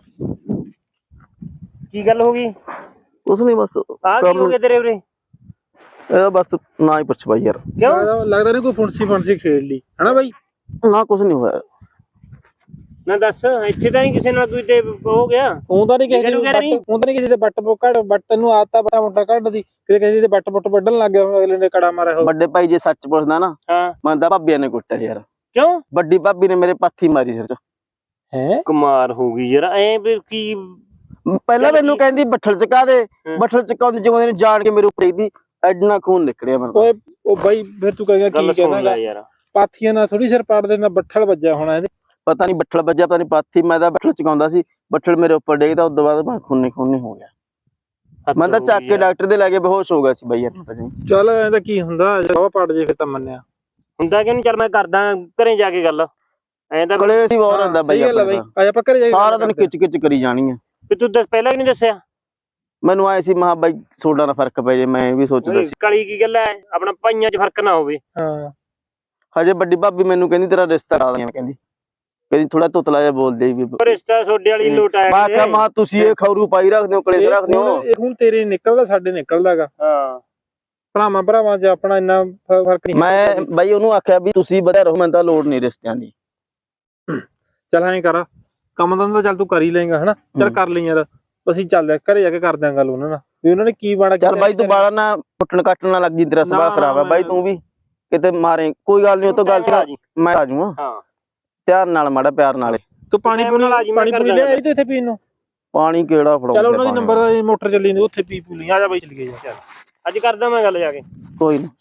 Speaker 4: ਕੀ ਗੱਲ ਹੋ ਗਈ?
Speaker 2: ਕੁਛ ਨਹੀਂ ਬਸ
Speaker 4: ਆ ਕੀ ਹੋ ਗਿਆ ਤੇਰੇ ਉਰੇ?
Speaker 2: ਇਹਦਾ ਬਸ ਨਾ ਹੀ ਪੁੱਛ ਬਾਈ ਯਾਰ,
Speaker 4: ਕਿਉਂ?
Speaker 5: ਲੱਗਦਾ ਨਹੀਂ ਕੋਈ ਫੁੰਸੀ ਫੁੰਸੀ ਖੇਡ ਲਈ ਹਨਾ ਬਾਈ।
Speaker 2: ਨਾ ਕੁਛ ਨਹੀਂ ਹੋਇਆ।
Speaker 4: ਨਾ ਦੱਸ, ਇੱਥੇ ਤਾਂ ਨਹੀਂ ਕਿਸੇ ਨਾਲ ਕੋਈ ਤੇ ਹੋ ਗਿਆ?
Speaker 5: ਹੁੰਦਾ ਨਹੀਂ ਕਿਸੇ ਨੂੰ, ਹੁੰਦਾ ਨਹੀਂ ਕਿਸੇ ਦੇ ਬੱਟ ਕੱਢ ਬੱਟ ਨੂੰ ਆਤਾ ਬਟਾ ਮੋਟਾ ਕੱਢਦੀ, ਕਿਤੇ ਕਿਸੇ ਦੇ ਬੱਟ ਬੁੱਟ ਵੱਢਣ ਲੱਗ ਗਿਆ, ਅਗਲੇ ਨੇ ਕੜਾ ਮਾਰਿਆ ਹੋ।
Speaker 2: ਵੱਡੇ ਭਾਈ ਜੇ ਸੱਚ ਪੁੱਛਦਾ ਨਾ,
Speaker 4: ਹਾਂ
Speaker 2: ਮੈਂ ਤਾਂ ਭਾਬੀਆਂ ਨੇ ਕੁੱਟਿਆ ਯਾਰ।
Speaker 4: ਕਿਉਂ?
Speaker 2: ਵੱਡੀ ਭਾਬੀ ਨੇ ਮੇਰੇ ਪਾਥੀ ਮਾਰੀ ਸਿਰ ਚ।
Speaker 5: ਹੈ
Speaker 4: ਕਮਾਲ ਹੋ ਗਈ ਯਾਰ, ਐ ਫਿਰ ਕੀ?
Speaker 2: ਪਹਿਲਾਂ ਮੈਨੂੰ ਕਹਿੰਦੀ ਬੱਠਲ ਚਕਾ ਦੇ, ਬੱਠਲ ਚਕਾਉਂਦੇ ਜਿਵੇਂ ਨੇ ਜਾਣ ਕੇ ਮੇਰੇ ਉੱਪਰ ਦੀ ਐਡਨਾ ਖੂਨ ਨਿਕਲਿਆ ਮੈਨੂੰ।
Speaker 5: ਓਏ ਉਹ ਬਾਈ ਫਿਰ ਤੂੰ ਕਹੇਗਾ ਕੀ ਕਹਿੰਦਾ
Speaker 4: ਯਾਰ,
Speaker 5: ਪਾਥੀਆਂ ਨਾਲ ਥੋੜੀ ਸਿਰ ਪਾੜ ਦੇਣਾ, ਬੱਠਲ ਵੱਜਿਆ ਹੋਣਾ ਇਹਦੇ।
Speaker 2: ਪਤਾ ਨਹੀਂ ਬੱਠਲ ਵੱਜਿਆ, ਪਤਾ ਨਹੀਂ ਪਾਥੀ, ਮੈਂ ਤਾਂ ਬੱਠਲ ਚਕਾਉਂਦਾ ਸੀ, ਬੱਠਲ ਮੇਰੇ ਉੱਪਰ ਡੇਗਦਾ, ਉਸ ਤੋਂ ਬਾਅਦ ਮੈਂ ਖੂਨੀ ਖੂਨੀ ਹੋ ਗਿਆ। ਮੈਂ ਤਾਂ ਚੱਕ ਕੇ ਡਾਕਟਰ ਦੇ ਲੈ ਕੇ ਬੇਹੋਸ਼ ਹੋ ਗਿਆ ਸੀ ਬਾਈ ਯਾਰ।
Speaker 5: ਚੱਲ ਐਂ ਤਾਂ ਕੀ ਹੁੰਦਾ, ਜਵਾ ਪੜ ਜੇ ਫਿਰ ਤਾਂ ਮੰਨਿਆ
Speaker 4: ਹੁੰਦਾ ਕਿਉਂ ਨਹੀਂ? ਚੱਲ ਮੈਂ ਕਰਦਾ ਘਰੇ ਜਾ ਕੇ ਗੱਲ। ਐਂ ਤਾਂ
Speaker 2: ਕਲੇ ਸੀ ਹੋਰ ਹੁੰਦਾ ਬਾਈ,
Speaker 5: ਆਪਾਂ ਘਰੇ ਜਾ ਕੇ
Speaker 2: ਸਾਰਾ ਦਿਨ ਖਿੱਚ ਖਿੱਚ ਕਰੀ ਜਾਣੀ ਆ।
Speaker 4: ਵੀ ਤੂੰ ਦੱਸ, ਪਹਿਲਾਂ ਕਿਉਂ ਨਹੀਂ ਦੱਸਿਆ?
Speaker 2: ਮੈਨੂੰ ਆਏ ਸੀ ਮਹਾ ਬਾਈ ਸੋਡਾ ਨਾਲ ਫਰਕ ਪੈ ਜੇ, ਮੈਂ ਵੀ ਸੋਚਦਾ ਸੀ।
Speaker 4: ਕਲੀ ਕੀ ਗੱਲ ਹੈ, ਆਪਣਾ ਭਾਈਆਂ 'ਚ ਫਰਕ ਨਾ ਹੋਵੇ।
Speaker 5: ਹਾਂ
Speaker 2: ਹਜੇ ਵੱਡੀ ਭਾਬੀ ਮੈਨੂੰ ਕਹਿੰਦੀ ਤੇਰਾ ਰਿਸ਼ਤਾ ਕਰਾ ਦਿਆਂ, ਕਹਿੰਦੀ ਕਹਿੰਦੀ ਥੋੜਾ ਤੁਤਲਾ ਜਿਹਾ ਬੋਲਦੇ ਵੀ।
Speaker 4: ਰਿਸ਼ਤਾ ਸੋਡੇ ਵਾਲੀ ਲੋਟ ਆਇਆ।
Speaker 2: ਮੈਂ ਕਿਹਾ ਮਾ ਤੁਸੀਂ ਇਹ ਖੌਰੂ ਪਾਈ ਰੱਖਦੇ ਹੋ, ਕਲੇਸ਼ ਰੱਖਦੇ ਹੋ।
Speaker 5: ਇਹ ਹੁਣ ਤੇਰੇ ਨਿਕਲਦਾ, ਸਾਡੇ ਨਿਕਲਦਾਗਾ।
Speaker 4: ਹਾਂ
Speaker 5: ਭਰਾਵਾਂ ਭਰਾਵਾਂ 'ਚ ਆਪਣਾ ਇੰਨਾ ਫਰਕ ਨਹੀਂ।
Speaker 2: ਮੈਂ ਬਾਈ ਉਹਨੂੰ ਆਖਿਆ ਵੀ ਤੁਸੀਂ ਵਧਿਆ ਰਹੋ, ਮੈਨੂੰ ਤਾਂ ਲੋੜ ਨਹੀਂ ਰਿਸ਼ਤਿਆਂ ਦੀ।
Speaker 5: ਚੱਲ ਐਂ ਕਰ, ਕੰਮ ਤਾਂ ਚੱਲ ਤੂੰ ਕਰ ਹੀ ਲਏਗਾ ਹਨਾ, ਚੱਲ ਕਰ ਲਈ ਯਾਰ। ਅਸੀਂ ਚੱਲਦੇ ਘਰੇ ਜਾ ਕੇ ਕਰਦੇ ਆਂ ਗੱਲ ਉਹਨਾਂ ਨਾਲ, ਵੀ ਉਹਨਾਂ ਨੇ ਕੀ ਬਾੜਾ।
Speaker 2: ਚੱਲ ਬਾਈ ਤੂੰ ਬਾਲਾ ਨਾ ਕੁੱਟਣ ਕੱਟਣ ਨਾ ਲੱਗ ਜੀ, ਤੇਰਾ ਸੁਭਾਅ ਖਰਾਬ ਆ ਬਾਈ, ਤੂੰ ਵੀ ਕਿਤੇ ਮਾਰੇ ਕੋਈ ਗੱਲ ਨਹੀਂ, ਉਹ ਤੋਂ ਗਲਤੀ ਮੈਂ ਆ ਜਾਊਂਗਾ।
Speaker 4: ਹਾਂ
Speaker 2: ਪਿਆਰ ਨਾਲ, ਮਾੜਾ ਪਿਆਰ ਨਾਲੇ।
Speaker 5: ਤੂੰ ਪਾਣੀ ਪੂਣੀ ਪਾਣੀ ਪੂਣੀ ਲੈ ਆਈ ਤੇ ਇੱਥੇ ਪੀਣ ਨੂੰ?
Speaker 2: ਪਾਣੀ ਕਿਹੜਾ ਫੜਾਉਂਦਾ?
Speaker 5: ਚੱਲ ਉਹਨਾਂ ਦੀ ਨੰਬਰ ਮੋਟਰ ਚੱਲੀ ਜਾਂਦੀ, ਉੱਥੇ ਪੀ ਪੂ ਲਈ। ਆ ਜਾ ਬਾਈ ਚੱਲ ਗਏ ਯਾਰ,
Speaker 4: ਅੱਜ ਕਰਦਾ ਮੈਂ ਗੱਲ ਜਾ ਕੇ।
Speaker 2: ਕੋਈ ਨਾ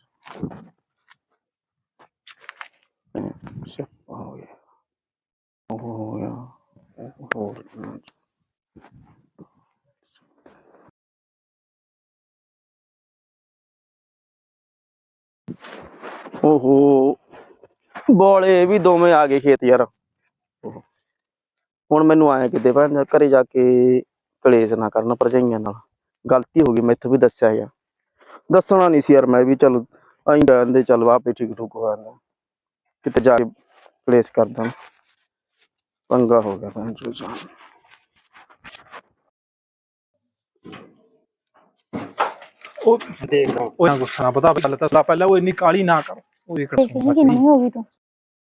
Speaker 2: ਹੋ ਗਿਆ ਹੋ ਗਿਆ ਹੋਰ। ਓਹੋ ਬੋਲੇ ਵੀ ਦੋਵੇਂ ਆ ਗਏ ਖੇਤ ਯਾਰ। ਹੁਣ ਮੈਨੂੰ ਆਇਆ ਕਿਤੇ ਭੈਣ ਘਰੇ ਜਾ ਕੇ ਕਲੇਸ਼ ਨਾ ਕਰਨ ਭਰਜਾਈਆਂ ਨਾਲ, ਗਲਤੀ ਹੋ ਗਈ ਮੈਥੋਂ ਵੀ ਦੱਸਿਆ ਗਿਆ, ਦੱਸਣਾ ਨਹੀਂ ਸੀ ਯਾਰ। ਮੈਂ ਵੀ ਚਲ ਆਈ ਕਹਿੰਦੇ ਚੱਲ ਆਪੇ ਠੀਕ ਠੂਕ ਹੋ ਜਾਂਦਾ, ਕਿਤੇ ਜਾ ਕੇ ਕਲੇਸ਼ ਕਰਦਾ, ਪੰਗਾ ਹੋ ਗਿਆ ਭੈਣ ਚੋ।
Speaker 5: ਉਹ ਦੇਖਦਾ ਉਹ ਨਾ ਗੁੱਸਾ ਨਾ ਪਤਾ ਗੱਲ ਤਾਂ ਪਹਿਲਾਂ ਉਹ ਇੰਨੀ ਕਾਲੀ ਨਾ ਕਰ। ਉਹ ਇੱਕ
Speaker 3: ਕਿੰਨੀ ਹੋ ਗਈ ਤੂੰ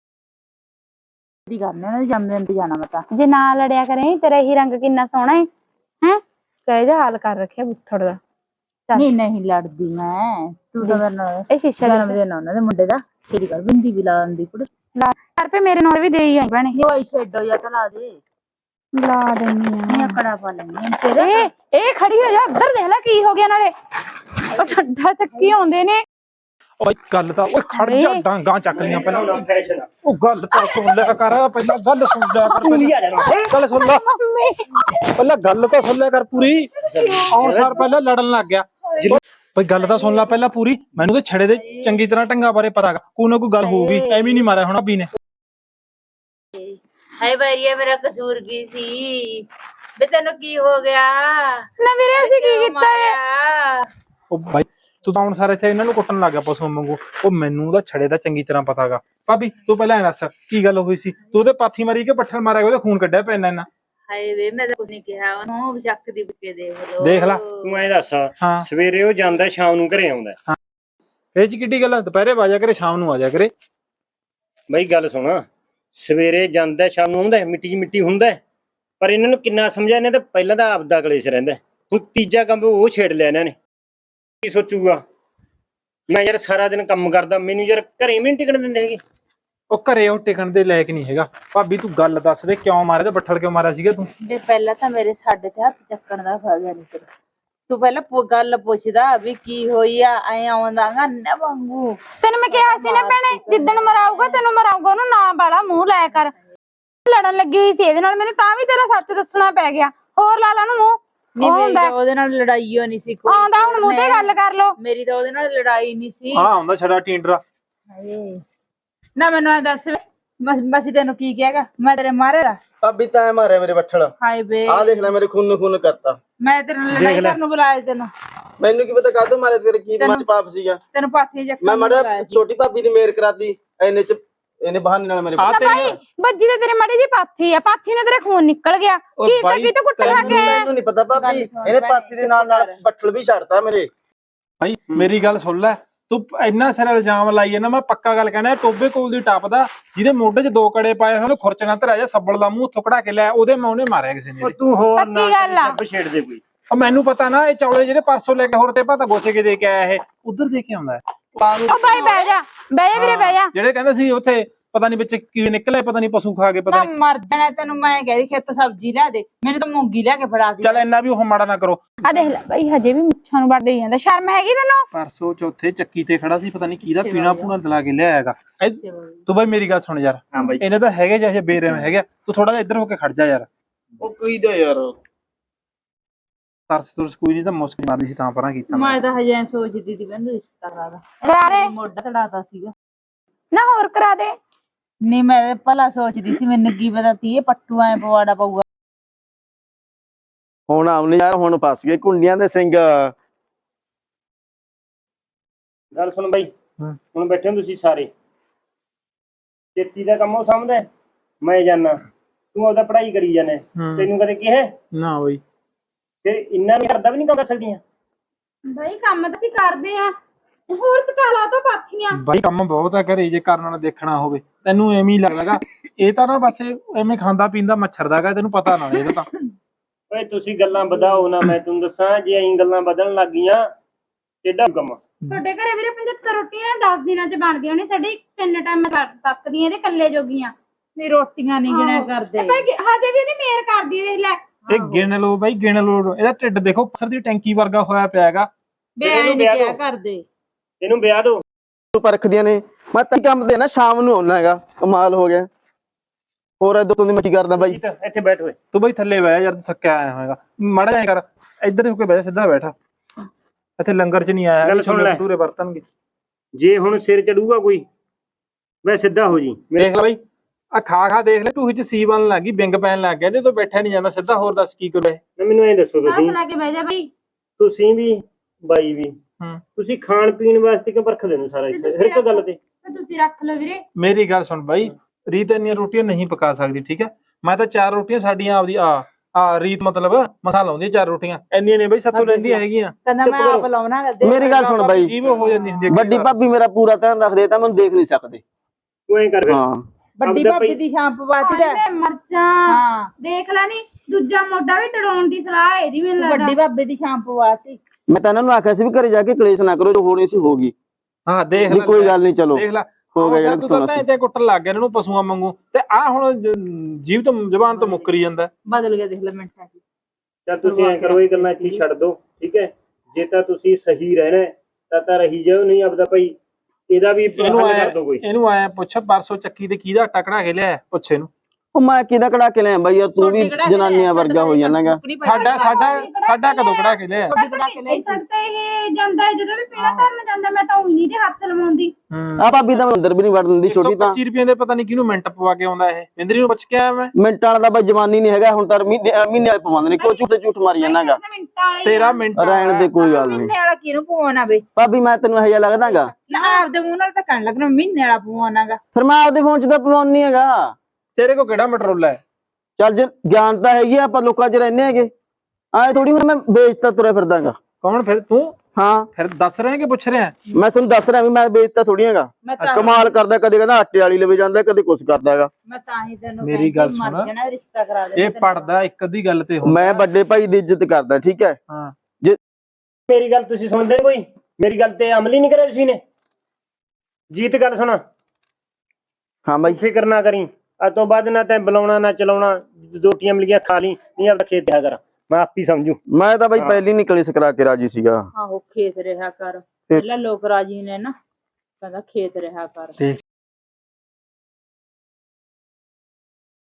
Speaker 1: ਦੀ ਕਰਨੇ ਉਹਨਾਂ ਦੇ ਜਨਮ ਦਿਨ ਤੇ ਜਾਣਾ ਮੈਂ ਤਾਂ।
Speaker 3: ਜੇ ਨਾ ਲੜਿਆ ਕਰੇ, ਤੇਰਾ ਹੀ ਰੰਗ ਕਿੰਨਾ ਸੋਹਣਾ ਹੈ ਹੈ ਕਹੇ ਜਾ ਹਾਲ ਕਰ ਰੱਖਿਆ ਬੁੱਥੜ ਦਾ।
Speaker 1: ਨਹੀਂ ਨਹੀਂ ਲੜਦੀ ਮੈਂ, ਤੂੰ ਤਾਂ ਮੇਰੇ ਨਾਲ।
Speaker 3: ਇਹ ਸ਼ੀਸ਼ਾ
Speaker 1: ਜਨਮ ਦਿਨ ਉਹਨਾਂ ਦੇ ਮੁੰਡੇ ਦਾ, ਤੇਰੀ ਕਰ ਬਿੰਦੀ ਵੀ ਲਾ ਦਿੰਦੀ ਕੁੜੇ।
Speaker 3: ਕਰ ਪੇ ਮੇਰੇ ਨਾਲ ਵੀ ਦੇ ਹੀ ਆਈ ਭੈਣੇ।
Speaker 1: ਉਹ ਛੱਡੋ ਜਾਂ ਤਾਂ ਲਾ ਦੇ,
Speaker 3: ਲਾ ਦਿੰਨੀ ਆ।
Speaker 1: ਮੈਂ ਕੜਾ ਪਾ ਲੈਣੀ ਤੇਰੇ।
Speaker 3: ਇਹ ਇਹ ਖੜੀ ਹੋ ਜਾ, ਉੱਧਰ ਦੇਖ ਲੈ ਕੀ ਹੋ ਗਿਆ ਨਾਲੇ। ਉਹ ਠੰਡਾ ਚੱਕੀ ਆਉਂਦੇ ਨੇ।
Speaker 5: ਓਏ ਗੱਲ ਤਾਂ ਓਏ ਖੜ ਜਾ
Speaker 3: ਵੇ।
Speaker 5: ਡਾਂਗਾ ਚੱਕ ਲੀਆਂ ਪਹਿਲਾਂ
Speaker 4: ਫੈਸ਼ਨ
Speaker 5: ਉਹ ਗੱਲ ਤਾਂ ਸੁਣ ਲਿਆ ਕਰ ਪਹਿਲਾਂ ਗੱਲ ਸੁਣ ਲਿਆ ਕਰ
Speaker 4: ਤੂੰ ਨਹੀਂ ਆ
Speaker 5: ਪਹਿਲਾਂ
Speaker 4: ਜਾਣਾ
Speaker 5: ਗੱਲ ਸੁਣ ਲੈ
Speaker 3: ਮੰਮੀ
Speaker 5: ਪਹਿਲਾਂ ਗੱਲ ਤਾਂ ਸੁਣ ਲਿਆ ਕਰ ਪੂਰੀ ਆਉਣ ਸਾਰ ਪਹਿਲਾਂ ਲੜਨ ਲੱਗ ਗਿਆ ਬਈ ਗੱਲ ਤਾਂ ਸੁਣ ਲੈ ਪਹਿਲਾਂ ਪੂਰੀ ਮੈਨੂੰ ਤੇ ਛੜੇ ਦੇ ਚੰਗੀ ਤਰ੍ਹਾਂ ਢੰਗਾ ਬਾਰੇ ਪਤਾ ਹੈਗਾ ਕੋਈ ਨਾ ਕੋਈ ਗੱਲ ਹੋਊਗੀ ਐਵੇਂ ਨਹੀਂ ਮਾਰਿਆ ਹੋਣਾ ਵੀ ਨੇ
Speaker 1: ਹਾਏ ਬੈਰੀਆ ਮੇਰਾ ਕਸੂਰ ਕੀ ਸੀ ਬੇ ਤੈਨੂੰ ਕੀ ਹੋ ਗਿਆ
Speaker 3: ਨਾ ਵੀਰੇ ਅਸੀਂ ਕੀ ਕੀਤਾ ਹੈ
Speaker 1: ਮਾਰਿਆ?
Speaker 5: ਉਹ ਬਾਈ ਤੂੰ ਤਾਂ ਹੁਣ ਸਾਰੇ ਇੱਥੇ ਇਹਨਾਂ ਨੂੰ ਕੁੱਟਣ ਲੱਗ ਗਿਆ ਪਸ਼ੂ ਵਾਂਗੂ ਉਹ ਮੈਨੂੰ ਤਾਂ ਛੜੇ ਦਾ ਚੰਗੀ ਤਰ੍ਹਾਂ ਪਤਾ ਹੈਗਾ ਭਾਬੀ ਤੂੰ ਪਹਿਲਾਂ ਇਹ ਦੱਸ ਕੀ ਗੱਲ ਹੋਈ ਸੀ ਤੂੰ ਉਹਦੇ ਪਾਥੀ ਮਾਰੀ ਕੇ ਪੱਠਲ ਮਾਰਿਆ ਉਹਦੇ ਖੂਨ ਕੱਢਿਆ ਪਿਆ ਇੰਨਾ ਇੰਨਾ
Speaker 1: ਹਾਏ ਵੇ ਮੈਂ ਤਾਂ ਕੁਝ ਨਹੀਂ ਕਿਹਾ ਉਹਨੂੰ ਸ਼ੱਕ ਦੀ ਬੁੱਕੇ ਦੇਖ ਲੋ
Speaker 5: ਦੇਖ ਲਾ।
Speaker 4: ਤੂੰ ਐਂ ਦੱਸ
Speaker 5: ਹਾਂ
Speaker 4: ਸਵੇਰੇ ਉਹ ਜਾਂਦਾ ਸ਼ਾਮ ਨੂੰ ਘਰੇ ਆਉਂਦਾ
Speaker 5: ਇਹ ਚ ਕਿੱਡੀ ਗੱਲ ਆ ਦੁਪਹਿਰੇ ਵਾਜਾ ਕਰੇ ਸ਼ਾਮ ਨੂੰ ਆ ਜਾ ਕਰੇ
Speaker 4: ਬਈ ਗੱਲ ਸੁਣ ਸਵੇਰੇ ਜਾਂਦਾ ਸ਼ਾਮ ਨੂੰ ਆਉਂਦਾ ਮਿੱਟੀ 'ਚ ਮਿੱਟੀ ਹੁੰਦਾ ਪਰ ਇਹਨਾਂ ਨੂੰ ਕਿੰਨਾ ਸਮਝਿਆ ਇਹਨੇ ਤਾਂ ਪਹਿਲਾਂ ਤਾਂ ਆਪਦਾ ਕਲੇਸ਼ ਰਹਿੰਦਾ ਹੁਣ ਤੀਜਾ ਕੰਮ ਉਹ ਛੇੜ ਲਿਆ ਇਹਨਾਂ ਨੇ ਕੀ ਸੋਚੂਗਾ ਮੈਂ ਯਾਰ ਸਾਰਾ ਦਿਨ ਕੰਮ ਕਰਦਾ ਮੈਨੂੰ ਯਾਰ ਘਰੇ ਵੀ ਨਹੀਂ ਟਿਕਣ ਦਿੰਦੇ ਹੈਗੇ
Speaker 5: ਉਹ ਘਰੇ ਉਹ ਟਿਕਣ ਦੇ ਲਾਇਕ ਨਹੀਂ ਹੈਗਾ ਭਾਬੀ ਤੂੰ ਗੱਲ ਦੱਸ ਦੇ ਕਿਉਂ ਮਾਰਿਆ ਤੇ ਬੱਠਲ ਕਿਉਂ ਮਾਰਿਆ ਸੀਗਾ ਤੂੰ
Speaker 1: ਵੇ ਪਹਿਲਾਂ ਤਾਂ ਮੇਰੇ ਸਾਡੇ ਤੇ ਹੱਥ ਚੱਕਣ ਦਾ ਫਾਇਦਾ ਨਹੀਂ ਤੇਰਾ ਤੂੰ ਪਹਿਲਾਂ ਪੁ- ਗੱਲ ਪੁੱਛਦਾ ਵੀ ਕੀ ਹੋਈ ਆ ਐ ਆਉਂਦਾਗਾ ਨਾ ਵਾਂਗੂ
Speaker 3: ਤੈਨੂੰ ਮੈਂ ਕਿਹਾ ਸੀ ਨਾ ਭੈਣੇ ਜਿੱਦਣ ਮਰਾਊਗਾ ਤੈਨੂੰ ਮਰਾਊਗਾ ਉਹਨੂੰ ਨਾ ਬਾਲਾ ਮੂੰਹ ਲਾਇਆ ਕਰ ਲੜਨ ਲੱਗੀ ਹੋਈ ਸੀ ਇਹਦੇ ਨਾਲ ਮੈਨੂੰ ਤਾਂ ਵੀ ਤੇਰਾ ਸੱਚ ਦੱਸਣਾ ਪੈ ਗਿਆ ਹੋਰ ਲਾ ਲਾ ਨੂੰ ਮੂੰਹ
Speaker 1: ਨਹੀਂ
Speaker 3: ਉਹ
Speaker 1: ਮੇਰੀ
Speaker 3: ਹੁੰਦਾ
Speaker 1: ਤਾਂ ਉਹਦੇ ਨਾਲ ਲੜਾਈ ਹੋ ਨਹੀਂ ਸੀ ਕੋਈ
Speaker 3: ਆਉਂਦਾ ਹੁਣ ਮੂੰਹ ਤੇ ਗੱਲ ਕਰ ਲੋ
Speaker 1: ਮੇਰੀ ਤਾਂ ਉਹਦੇ ਨਾਲ ਲੜਾਈ ਨਹੀਂ ਸੀ
Speaker 5: ਹਾਂ ਆਉਂਦਾ ਛੜਾ ਟੀਂਡਰਾ
Speaker 1: ਹਾਏ। ਨਾ ਮੈਨੂੰ ਐ ਦੱਸ ਬਸ ਬਸ ਤੈਨੂੰ ਕੀ ਕਹੇਗਾ ਮੈਂ ਤੇਰੇ ਮਾਰੇਗਾ
Speaker 2: ਭਾਬੀ ਤਾਂ ਮਾਰਿਆ ਮੇਰੇ ਬੱਠਲ
Speaker 1: ਹਾਏ ਵੇ
Speaker 2: ਆਹ ਦੇਖ ਲੈ ਮੇਰੇ ਖੂਨ ਨੂੰ ਖੂਨ ਕਰਤਾ
Speaker 1: ਮੈਂ ਤੇਰੇ ਨਾਲ ਲੜਾਈ ਕਰਨ ਨੂੰ ਬੁਲਾਇਆ ਤੈਨੂੰ
Speaker 2: ਮੈਨੂੰ ਕੀ ਪਤਾ ਕਾਹਤੋਂ ਮਾਰਿਆ ਤੇਰੇ ਕੀ ਮੱਚ ਪਾਪ ਸੀਗਾ
Speaker 1: ਤੈਨੂੰ ਪਾਥੀ ਚੱਕਣ
Speaker 2: ਮੈਂ
Speaker 1: ਨੂੰ
Speaker 2: ਮਾੜਾ
Speaker 1: ਬੁਲਾਇਆ ਸੀ
Speaker 2: ਛੋਟੀ ਭਾਬੀ ਦੀ ਮੇਰ ਕਰਾਤੀ ਇਹਨੇ ਚ ਇਹਨੇ ਬਹਾਨੇ ਨਾਲ ਮੇਰੇ
Speaker 5: ਆ
Speaker 3: ਨਾ
Speaker 5: ਤੇਰੀ
Speaker 3: ਭਾਈ ਬੱਜੀ ਤੇ ਤੇਰੇ ਮਾੜੀ ਜੀ ਪਾਥੀ ਆ ਪਾਥੀ ਨੇ ਤੇਰੇ ਖੂਨ ਨਿਕਲ ਗਿਆ
Speaker 5: ਓ
Speaker 3: ਕੀ
Speaker 5: ਬਾਈ,
Speaker 3: ਕੀ ਤੂੰ ਕੁੱਟ ਲਾ
Speaker 2: ਤੈਨੂੰ
Speaker 3: ਕੇ
Speaker 2: ਮੈਨੂੰ ਨਹੀਂ ਪਤਾ ਭਾਬੀ
Speaker 1: ਗੱਲ ਸੁਣ
Speaker 2: ਇਹਨੇ
Speaker 1: ਭੈਣੇ,
Speaker 2: ਪਾਥੀ ਦੇ ਨਾਲ ਨਾਲ ਬੱਠਲ ਵੀ ਛੱਡਤਾ ਮੇਰੇ
Speaker 5: ਭਾਈ ਮੇਰੀ ਗੱਲ ਸੁਣ ਲੈ ਤੂੰ ਇੰਨਾ ਸਾਰਾ ਇਲਜ਼ਾਮ ਲਾਈ ਜਾਂਦਾ ਮੈਂ ਪੱਕਾ ਗੱਲ ਕਹਿਣਾ ਟੋਬੇ ਕੋਲ ਦੀ ਟੱਪਦਾ ਜਿਹਦੇ ਮੋਢੇ 'ਚ ਦੋ ਕੜੇ ਪਾਏ ਹੋਏ ਖੁਰਚਣਾ ਧਰਿਆ ਜਾ ਸੱਬਲ ਦਾ ਮੂੰਹ ਉੱਥੋਂ ਕਢਾ ਕੇ ਲੈ ਉਹਦੇ ਮੈਂ ਉਹਨੇ ਮਾਰਿਆ ਕਿਸੇ ਨੇ
Speaker 4: ਉਹ ਤੂੰ ਹੋਰ
Speaker 3: ਪੱਕੀ
Speaker 4: ਨਾ
Speaker 3: ਗੱਲ ਆ।
Speaker 4: ਜੱਬ ਛੇੜ ਦੇ ਕੋਈ
Speaker 5: ਉਹ ਮੈਨੂੰ ਪਤਾ ਨਾ ਇਹ ਚੌਲੇ ਜਿਹੜੇ ਪਰਸੋਂ ਲੈ ਕੇ ਹੋਰ ਤੇ ਪਤਾ ਗੋਚੇ ਕੇ ਦੇ ਕੇ ਆਇਆ ਇਹ ਉਧਰ ਦੇ ਕੇ ਆਉਂਦਾ ਹੈ।
Speaker 3: ਓ ਭਾਈ ਬਹਿ ਜਾ ਬਹਿ ਜਾ ਵੀਰੇ ਬਹਿ ਜਾ
Speaker 5: ਜਿਹੜੇ ਕਹਿੰਦੇ ਸੀ ਉੱਥੇ ਪਤਾ ਨਹੀਂ ਵਿੱਚ ਕੀ ਨਿਕਲੇ ਪਤਾ ਨਹੀਂ ਪਸ਼ੂ ਖਾ ਕੇ ਪਤਾ
Speaker 1: ਨਾ
Speaker 5: ਨਹੀਂ
Speaker 1: ਮਰ ਜਾਣਾ ਤੈਨੂੰ ਮੈਂ ਕਹਿ ਰਹੀ ਖੇਤੋਂ ਸਬਜ਼ੀ ਲਿਆ ਦੇ ਮੈਨੂੰ ਤਾਂ ਮੂੰਗੀ ਲਿਆ ਕੇ ਫੜਾ ਦੀ
Speaker 5: ਚੱਲ ਇੰਨਾ ਵੀ ਉਹ ਮਾੜਾ ਨਾ ਕਰੋ
Speaker 3: ਆ ਦੇਖ ਲੈ ਭਾਈ ਹਜੇ ਵੀ ਮੁੱਛਾਂ ਨੂੰ ਵੱਢ ਹੀ ਜਾਂਦਾ ਸ਼ਰਮ ਹੈਗੀ ਤੈਨੂੰ
Speaker 5: ਪਰਸੋਂ ਚੌਥੇ ਚੱਕੀ ਤੇ ਖੜਾ ਸੀ ਪਤਾ ਨਹੀਂ ਕਿਹਦਾ ਪੀਣਾ ਪੂਣਾ ਦਿਲਾ ਕੇ ਲਿਆਇਆ ਹੈਗਾ ਇਹ- ਤੂੰ ਬਾਈ ਮੇਰੀ ਗੱਲ ਸੁਣ ਯਾਰ
Speaker 2: ਹਾਂ ਬਾਈ
Speaker 5: ਇਹਨੇ ਤਾਂ ਹੈਗੇ ਜਿਹੇ ਬੇਰਮ ਹੈਗੇ ਤੂੰ ਥੋੜਾ ਜਿਹਾ ਇੱਧਰ ਹੋ ਕੇ ਖੜ ਜਾ ਯਾਰ
Speaker 2: ਉਹ ਕੋਈ ਦਾ ਯਾਰ
Speaker 5: ਤਰਸ ਤੁਰਸ ਕੋਈ ਨਹੀਂ ਤਾਂ ਮੁਸਕ ਮਾਰਦੀ ਸੀ ਤਾਂ ਪਰਾਂ ਕੀਤਾ ਮੈਂ
Speaker 1: ਮੈਂ ਤਾਂ ਹਜੇ ਐਂ ਸੋਚਦੀ ਸੀ ਮੈਨੂੰ ਰਿਸ਼ਤਾ ਕਰਾ
Speaker 3: ਕਰਾ ਦੇ
Speaker 1: ਮੋਢਾ ਤੜਾਤਾ ਸੀਗਾ
Speaker 3: ਨਾ ਹੋਰ ਕਰਾ ਦੇ
Speaker 1: ਨਹੀਂ ਮੈਂ ਭਲਾ ਸੋਚਦੀ ਸੀ ਮੈਨੂੰ ਕੀ ਪਤਾ ਤੀ ਇਹ ਪੱਟੂ ਐ ਪਵਾੜਾ ਪਊਗਾ
Speaker 2: ਹੁਣ ਆਮਨੇ ਯਾਰ ਹੁਣ ਫਸ ਗਏ ਕੁੰਡੀਆਂ ਦੇ ਸਿੰਘ
Speaker 4: ਗੱਲ ਸੁਣ ਬਾਈ
Speaker 5: ਹੂੰ।
Speaker 4: ਹੁਣ ਬੈਠੇ ਹੋ ਤੁਸੀਂ ਸਾਰੇ ਖੇਤੀ ਦਾ ਕੰਮ ਉਹ ਸਮਝਦਾ ਮੈਂ ਜਾਣਾ ਤੂੰ ਆਪਦਾ ਪੜ੍ਹਾਈ ਕਰੀ ਜਾਣਾ ਤੈਨੂੰ ਕਦੇ ਕਿਹਾ
Speaker 5: ਨਾ ਬਈ
Speaker 4: ਫਿਰ ਇੰਨਾ ਵੀ ਕਰਦਾ ਵੀ ਨਹੀਂ ਕੰਮ ਕਰ ਸਕਦੀਆਂ
Speaker 3: ਭਾਈ ਕੰਮ ਤਾਂ ਅਸੀਂ ਕਰਦੇ ਆ ਹੋਰ ਚਕਾ ਲਾ ਤੋ ਪਾਥੀਆਂ
Speaker 5: ਬਾਈ ਕੰਮ ਬਹੁਤ ਆ ਘਰੇ ਜੇ ਕਰਨ ਵਾਲਾ ਦੇਖਣਾ ਹੋਵੇ ਤੈਨੂੰ ਐਵੇਂ ਹੀ ਲੱਗਦਾਗਾ ਇਹ ਤਾਂ ਨਾ ਬਸ ਇਹ ਐਵੇਂ ਖਾਂਦਾ ਪੀਂਦਾ ਮੱਛਰ ਦਾਗਾ ਤੈਨੂੰ ਪਤਾ ਨਾ ਇਹਦਾ ਤਾਂ
Speaker 4: ਓਏ ਤੁਸੀਂ ਗੱਲਾਂ ਵਧਾਓ ਨਾ ਮੈਂ ਤੁਹਾਨੂੰ ਦੱਸਾਂ ਜੇ ਐਂ ਗੱਲਾਂ ਵਧਣ ਲੱਗ ਗਈਆਂ ਕਿੱਡਾ ਕੰਮ
Speaker 3: ਤੁਹਾਡੇ ਘਰੇ ਵੀਰੇ ਪੰਝੱਤਰ ਰੋਟੀਆਂ ਦਸ ਦਿਨਾਂ ਚ ਬਣਦੀਆਂ ਨੇ ਸਾਡੇ ਤਿੰਨ ਟਾਈਮ ਤੱਕਦੀਆਂ ਇਹਦੇ ਕੱਲੇ ਜੋਗੀਆਂ
Speaker 1: ਨਹੀਂ ਰੋਟੀਆਂ ਨਹੀਂ ਗਿਣਿਆ ਕਰਦੇ
Speaker 3: ਭਾਈ ਹਜੇ ਵੀ ਇਹਦੀ ਮੇਰ ਕਰਦੀ ਦੇਖ ਲੈ
Speaker 5: ਇਹ ਗਿਣ ਲਓ ਬਾਈ ਗਿਣ ਲਓ ਇਹਦਾ ਢਿੱਡ ਦੇਖੋ ਪੱਥਰ ਦੀ ਟੈਂਕੀ ਵਰਗਾ ਹੋਇਆ ਪਿਆ ਹੈਗਾ
Speaker 1: ਵੇ ਐ ਨਹੀਂ ਕਿਹਾ ਕਰਦੇ
Speaker 4: ਇਹਨੂੰ ਵਿਆਹ ਦੋ
Speaker 2: ਪਰਖਦੀਆਂ ਨੇ ਮੈਂ ਤਾਂ ਕੰਮ ਤੇ ਨਾ ਸ਼ਾਮ ਨੂੰ ਆਉਣਾ ਹੈਗਾ ਕਮਾਲ ਹੋ ਗਿਆ ਹੋਰ ਇਦੋਂ ਤੋਂ ਦੀ ਮੈਂ ਕੀ ਕਰਦਾ ਬਾਈ
Speaker 4: ਜੀਤ, ਇੱਥੇ ਬੈਠ ਓਏ
Speaker 5: ਤੂੰ ਬਾਈ ਥੱਲੇ ਬਹਿ ਯਾਰ ਤੂੰ ਥੱਕਿਆ ਆਇਆ ਹੋਏਗਾ ਮਾੜਾ ਜਿਹਾ ਕਰ ਇੱਧਰ ਹੋ ਕੇ ਬਹਿ ਸਿੱਧਾ ਬੈਠਾ ਇੱਥੇ ਲੰਗਰ ਚ ਨਹੀਂ ਆਇਆ
Speaker 4: ਗੱਲ ਸੁਣ ਲੈ।
Speaker 5: ਪੂਰੇ ਵਰਤਣਗੇ
Speaker 4: ਜੇ ਹੁਣ ਸਿਰ ਚੜੂਗਾ ਕੋਈ ਵੈ ਸਿੱਧਾ ਹੋ ਜੀ
Speaker 5: ਦੇਖ ਲੈ ਬਾਈ ਆ ਖਾ ਖਾ ਦੇਖ ਲੈ ਢੂਹੀ ਚ ਸੀ ਬਣ ਲੱਗੀ ਬਿੰਗ ਪੈਣ ਲੱਗ ਗਿਆ ਇਹਦੇ ਤੋਂ ਬੈਠਾ ਨਹੀਂ ਜਾਂਦਾ ਸਿੱਧਾ ਹੋਰ ਦੱਸ ਕੀ ਕਰੇ
Speaker 4: ਮੈਨੂੰ ਐਂ ਦੱਸੋ
Speaker 3: ਹੱਥ
Speaker 4: ਤੁਸੀਂ
Speaker 3: ਲਾ ਕੇ ਬਹਿ ਜਾ ਭਾਈ
Speaker 4: ਤੁਸੀਂ ਵੀ ਬਾਈ ਵੀ
Speaker 5: ਹੂੰ
Speaker 4: ਤੁਸੀਂ ਖਾਣ ਪੀਣ ਵਾਸਤੇ ਕਿ ਪਰਖਦੇ ਨੂੰ ਸਾਰਾ ਇੱਥੇ ਹਰ ਇੱਕ ਗੱਲ ਤੇ
Speaker 3: ਤੇ ਤੁਸੀਂ ਰੱਖ ਲਓ ਵੀਰੇ
Speaker 5: ਮੇਰੀ ਗੱਲ ਸੁਣ ਬਾਈ ਰੀਤ ਇੰਨੀਆਂ ਰੋਟੀਆਂ ਨਹੀਂ ਪਕਾ ਸਕਦੀ ਠੀਕ ਹੈ ਮੈਂ ਤਾਂ ਚਾਰ ਰੋਟੀਆਂ ਸਾਡੀਆਂ ਆਪਦੀ ਆ ਆ ਰੀਤ ਮਤਲਬ ਮਸਾ ਲਾਉਂਦੀ ਚਾਰ ਰੋਟੀਆਂ ਇੰਨੀਆਂ ਨੇ ਬਾਈ ਸਾਤੋਂ ਲੈਂਦੀਆਂ ਹੈਗੀਆਂ
Speaker 1: ਕਹਿੰਦਾ ਮੈਂ ਆਪ ਲਾਉਣਾ ਕਰਦੇ
Speaker 2: ਮੇਰੀ ਗੱਲ ਸੁਣ ਬਾਈ
Speaker 5: ਜੀਵ ਹੋ ਜਾਂਦੀ ਹੁੰਦੀ ਹੈ
Speaker 2: ਵੱਡੀ ਭਾਬੀ ਮੇਰਾ ਪੂਰਾ ਧਿਆਨ ਰੱਖਦੇ ਤਾਂ ਮੈਨੂੰ ਦੇਖ ਨਹੀਂ ਸਕਦੇ
Speaker 4: ਤੂੰ ਐਂ ਕਰ ਫਿਰ
Speaker 2: ਹਾਂ
Speaker 1: ਵੱਡੀ
Speaker 4: ਆਪਦਾ
Speaker 1: ਭਾਬੀ
Speaker 4: ਭਾਈ-
Speaker 1: ਦੀ ਸ਼ਾਂਪ ਬਾਤੀ ਦਾ
Speaker 3: ਹਾਏ ਵੇ ਮਰਚਾਂ
Speaker 1: ਹਾਂ
Speaker 3: ਦੇਖ ਲੈ ਨੀ ਦੂਜਾ ਮੋਢਾ ਵੀ ਤੜਾਉਣ ਦੀ ਸਲਾਹ ਇਹਦੀ ਮੈਨੂੰ ਲੱਗਦਾ
Speaker 1: ਵੱਡੀ ਭਾਬੀ ਦੀ ਸ਼ਾਂਪ ਬਾਤੀ
Speaker 2: ਮੈਂ ਤਾਂ ਇਹਨਾਂ ਨੂੰ ਆਖਿਆ ਸੀ ਵੀ ਘਰੇ ਜਾ ਕੇ ਕਲੇਸ਼ ਨਾ ਕਰੋ ਜੋ ਹੋਣੀ ਸੀ ਹੋਗੀ
Speaker 5: ਹਾਂ ਦੇਖ
Speaker 2: ਜੀ
Speaker 5: ਲੈ
Speaker 2: ਕੋਈ ਗੱਲ ਨਹੀਂ ਚਲੋ
Speaker 5: ਦੇਖ ਲੈ
Speaker 2: ਹੋ ਗਿਆ
Speaker 5: ਜਿਹੜਾ
Speaker 2: ਜਿਹੜਾ
Speaker 5: ਤੂੰ ਤਾਂ
Speaker 2: ਸੁਣਾ ਸੀ
Speaker 5: ਤੇ ਕੁੱਟਣ ਲੱਗ ਗਿਆ ਇਹਨਾਂ ਨੂੰ ਪਸ਼ੂਆਂ ਵਾਂਗੂ ਤੇ ਆ ਹੁਣ ਜ- ਜੀਵ ਤੋਂ ਜ਼ਬਾਨ ਤੋਂ ਮੁੱਕਰੀ ਜਾਂਦਾ
Speaker 1: ਬਦਲ ਗਿਆ ਦੇਖ ਲੈ ਮਿੰਟਾਂ ਚ
Speaker 4: ਚੱਲ ਤੁਸੀਂ ਐਂ ਕਰੋ ਇਹ ਗੱਲਾਂ ਇੱਥੇ ਛੱਡ ਦਿਓ ਠੀਕ ਹੈ ਜੇ ਤਾਂ ਤੁਸੀਂ ਸਹੀ ਰਹਿਣਾ ਹੈ, ਤਾਂ ਤਾਂ ਰਹੀ ਜਾਓ ਨਹੀਂ ਆਪਦਾ ਭਾਈ ਇਹਦਾ ਵੀ
Speaker 5: ਇਹਨੂੰ
Speaker 4: ਹੱਲ
Speaker 5: ਐ
Speaker 4: ਕਰ ਦੋ ਕੋਈ।
Speaker 5: ਇਹਨੂੰ ਐ ਪੁੱਛ ਪਰਸੋਂ ਚੱਕੀ ਤੇ ਕਿਹਦਾ ਆਟਾ ਕਢਾ ਕੇ ਲਿਆ ਪੁੱਛ ਇਹਨੂੰ।
Speaker 2: ਉਹ ਮੈਂ ਕਿਹਦਾ ਕਢਾ ਕੇ ਲਿਆ ਬਾਈ ਯਾਰ, ਤੂੰ ਵੀ ਜਨਾਨੀਆਂ ਵਰਗਾ ਹੋ ਜਾਣਾਗਾ।
Speaker 5: ਸਾਡਾ ਸਾਡਾ ਸਾਡਾ ਕਦੋਂ ਕਢਾ ਕੇ ਲਿਆ?
Speaker 3: ਸੜਤੇ ਇਹ ਜਾਂਦਾ ਹੈ ਜਦੋਂ ਵੀ ਪੀਣਾ ਧਰਨ ਜਾਂਦਾ, ਮੈਂ ਤਾਂ ਉਹੀ ਦੇ ਹੱਥ ਲਵਾਉਂਦੀ।
Speaker 2: ਆ ਭਾਬੀ ਤਾਂ ਅੰਦਰ ਵੀ ਨਹੀਂ ਵੜਨ ਦਿੰਦੀ ਛੋਟੀ ਤਾਂ।
Speaker 5: ਪੱਚੀ ਰੁਪਏ ਦੇ ਪਤਾ ਨਹੀਂ ਕਿਹਨੂੰ ਮਿੰਟ ਪਵਾ ਕੇ ਆਉਂਦਾ ਇਹ। ਇੰਦਰੀ ਨੂੰ ਪੁੱਛ ਕੇ ਆਇਆ ਮੈਂ।
Speaker 2: ਮਿੰਟਾਂ ਵਾਲਾ ਤਾਂ ਬਾਈ ਜਵਾਨੀ ਨਹੀਂ ਹੈਗਾ ਹੁਣ ਤਾਂ, ਮਹੀਨੇ ਮਹੀਨੇ ਵਾਲੇ ਪਵਾਉਂਦੇ ਨੇ, ਕੋਈ ਝੂਠ ਤੇ ਝੂਠ ਮਾਰੀ ਜਾਣਾਗਾ।
Speaker 5: ਤੇਰਾ ਮਿੰਟ
Speaker 2: ਰਹਿਣ ਦੇ ਕੋਈ ਗੱਲ ਨਹੀਂ।
Speaker 1: ਮਹੀਨੇ ਵਾਲਾ ਕਿਹਨੂੰ ਪਵਾਉਣਾ ਬਈ?
Speaker 2: ਭਾਬੀ ਮੈਂ ਤੈਨੂੰ ਇਹੋ ਜਿਹਾ ਲੱਗਦਾਗਾ?
Speaker 1: ਨਾ ਆਪਦੇ ਮੂੰਹ ਨਾਲ ਤਾਂ ਕਹਿਣ ਲੱਗਣਾ ਮਹੀਨੇ ਵਾਲਾ ਪਵਾਉਣਾਗਾ।
Speaker 2: ਫਿਰ ਮੈਂ ਆਪਦੇ ਫੋਨ 'ਚ ਤਾਂ ਪਵਾਉਣੀ ਹੈਗਾ।
Speaker 5: ਤੇਰੇ ਕੋਲ ਕਿਹੜਾ ਮਟਰੋਲਾ ਹੈ?
Speaker 2: ਚੱਲ ਜੇ ਗਿਆਨ ਤਾਂ ਹੈਗੀ ਆ, ਆਪਾਂ ਲੋਕਾਂ 'ਚ ਰਹਿੰਦੇ ਹੈਗੇ, ਆਏ ਥੋੜੀ ਹੁਣ ਮੈਂ ਵੇਚਤਾ ਤੁਰਿਆ ਫਿਰਦਾਗਾ।
Speaker 5: ਕੌਣ ਫਿਰ ਤੂੰ?
Speaker 2: ਹਾਂ
Speaker 5: ਫਿਰ ਦੱਸ ਰਿਹਾ ਕਿ ਪੁੱਛ ਰਿਹਾ?
Speaker 2: ਮੈਂ ਤੁਹਾਨੂੰ ਦੱਸ ਰਿਹਾ ਵੀ ਮੈਂ ਵੇਚਤਾ ਥੋੜੀ ਹੈਗਾ।
Speaker 1: ਮੈਂ ਤਾਂ
Speaker 2: ਕਮਾਲ ਕਰਦਾ, ਕਦੇ ਕਹਿੰਦਾ ਆਟੇ ਵਾਲੀ ਲਵੇ ਜਾਂਦਾ, ਕਦੇ ਕੁਛ ਕਰਦਾ ਹੈਗਾ।
Speaker 1: ਮੈਂ ਤਾਂ ਹੀ ਤੈਨੂੰ
Speaker 5: ਮੇਰੀ ਗੱਲ ਸੁਣ,
Speaker 1: ਰਿਸ਼ਤਾ ਕਰਾ ਦੇ।
Speaker 5: ਇਹ ਪੜਦਾ ਇੱਕ ਅੱਧੀ ਗੱਲ ਤੇ ਹੁੰਦਾ।
Speaker 2: ਮੈਂ ਵੱਡੇ ਭਾਈ ਦੀ ਇੱਜ਼ਤ ਕਰਦਾ, ਠੀਕ ਹੈ।
Speaker 5: ਹਾਂ
Speaker 4: ਮੇਰੀ ਗੱਲ ਤੁਸੀਂ ਸੁਣਦੇ ਨੀ ਕੋਈ? ਮੇਰੀ ਗੱਲ ਤੇ ਅਮਲ ਹੀ ਨਹੀਂ ਕਰਿਆ ਤੁਸੀਂ ਨੇ। ਜੀਤ ਗੱਲ ਸੁਣ,
Speaker 2: ਹਾਂ ਬਾਈ
Speaker 4: ਫਿਕਰ ਨਾ ਕਰੀ, ਅੱਜ ਤੋਂ ਬਾਅਦ ਨਾ ਤੈਂ ਬੁਲਾਉਣਾ ਨਾ ਚਲਾਉਣਾ, ਰੋਟੀਆਂ ਮਿਲੀਆਂ ਖਾ ਲਈ, ਨਹੀਂ ਆਪਦਾ ਖੇਤ ਦਿਆ ਕਰ, ਮੈਂ ਆਪ ਹੀ ਸਮਝੂ।
Speaker 2: ਮੈਂ ਤਾਂ ਬਾਈ ਪਹਿਲੀ ਨਿਕਲੀ ਸਕਰਾ ਕੇ ਰਾਜੀ ਸੀਗਾ।
Speaker 1: ਆਹੋ ਖੇਤ ਰਿਹਾ ਕਰ, ਪਹਿਲਾਂ ਲੋਕ ਰਾਜੀ ਨੇ ਨਾ, ਕਹਿੰਦਾ ਖੇਤ ਰਿਹਾ ਕਰ।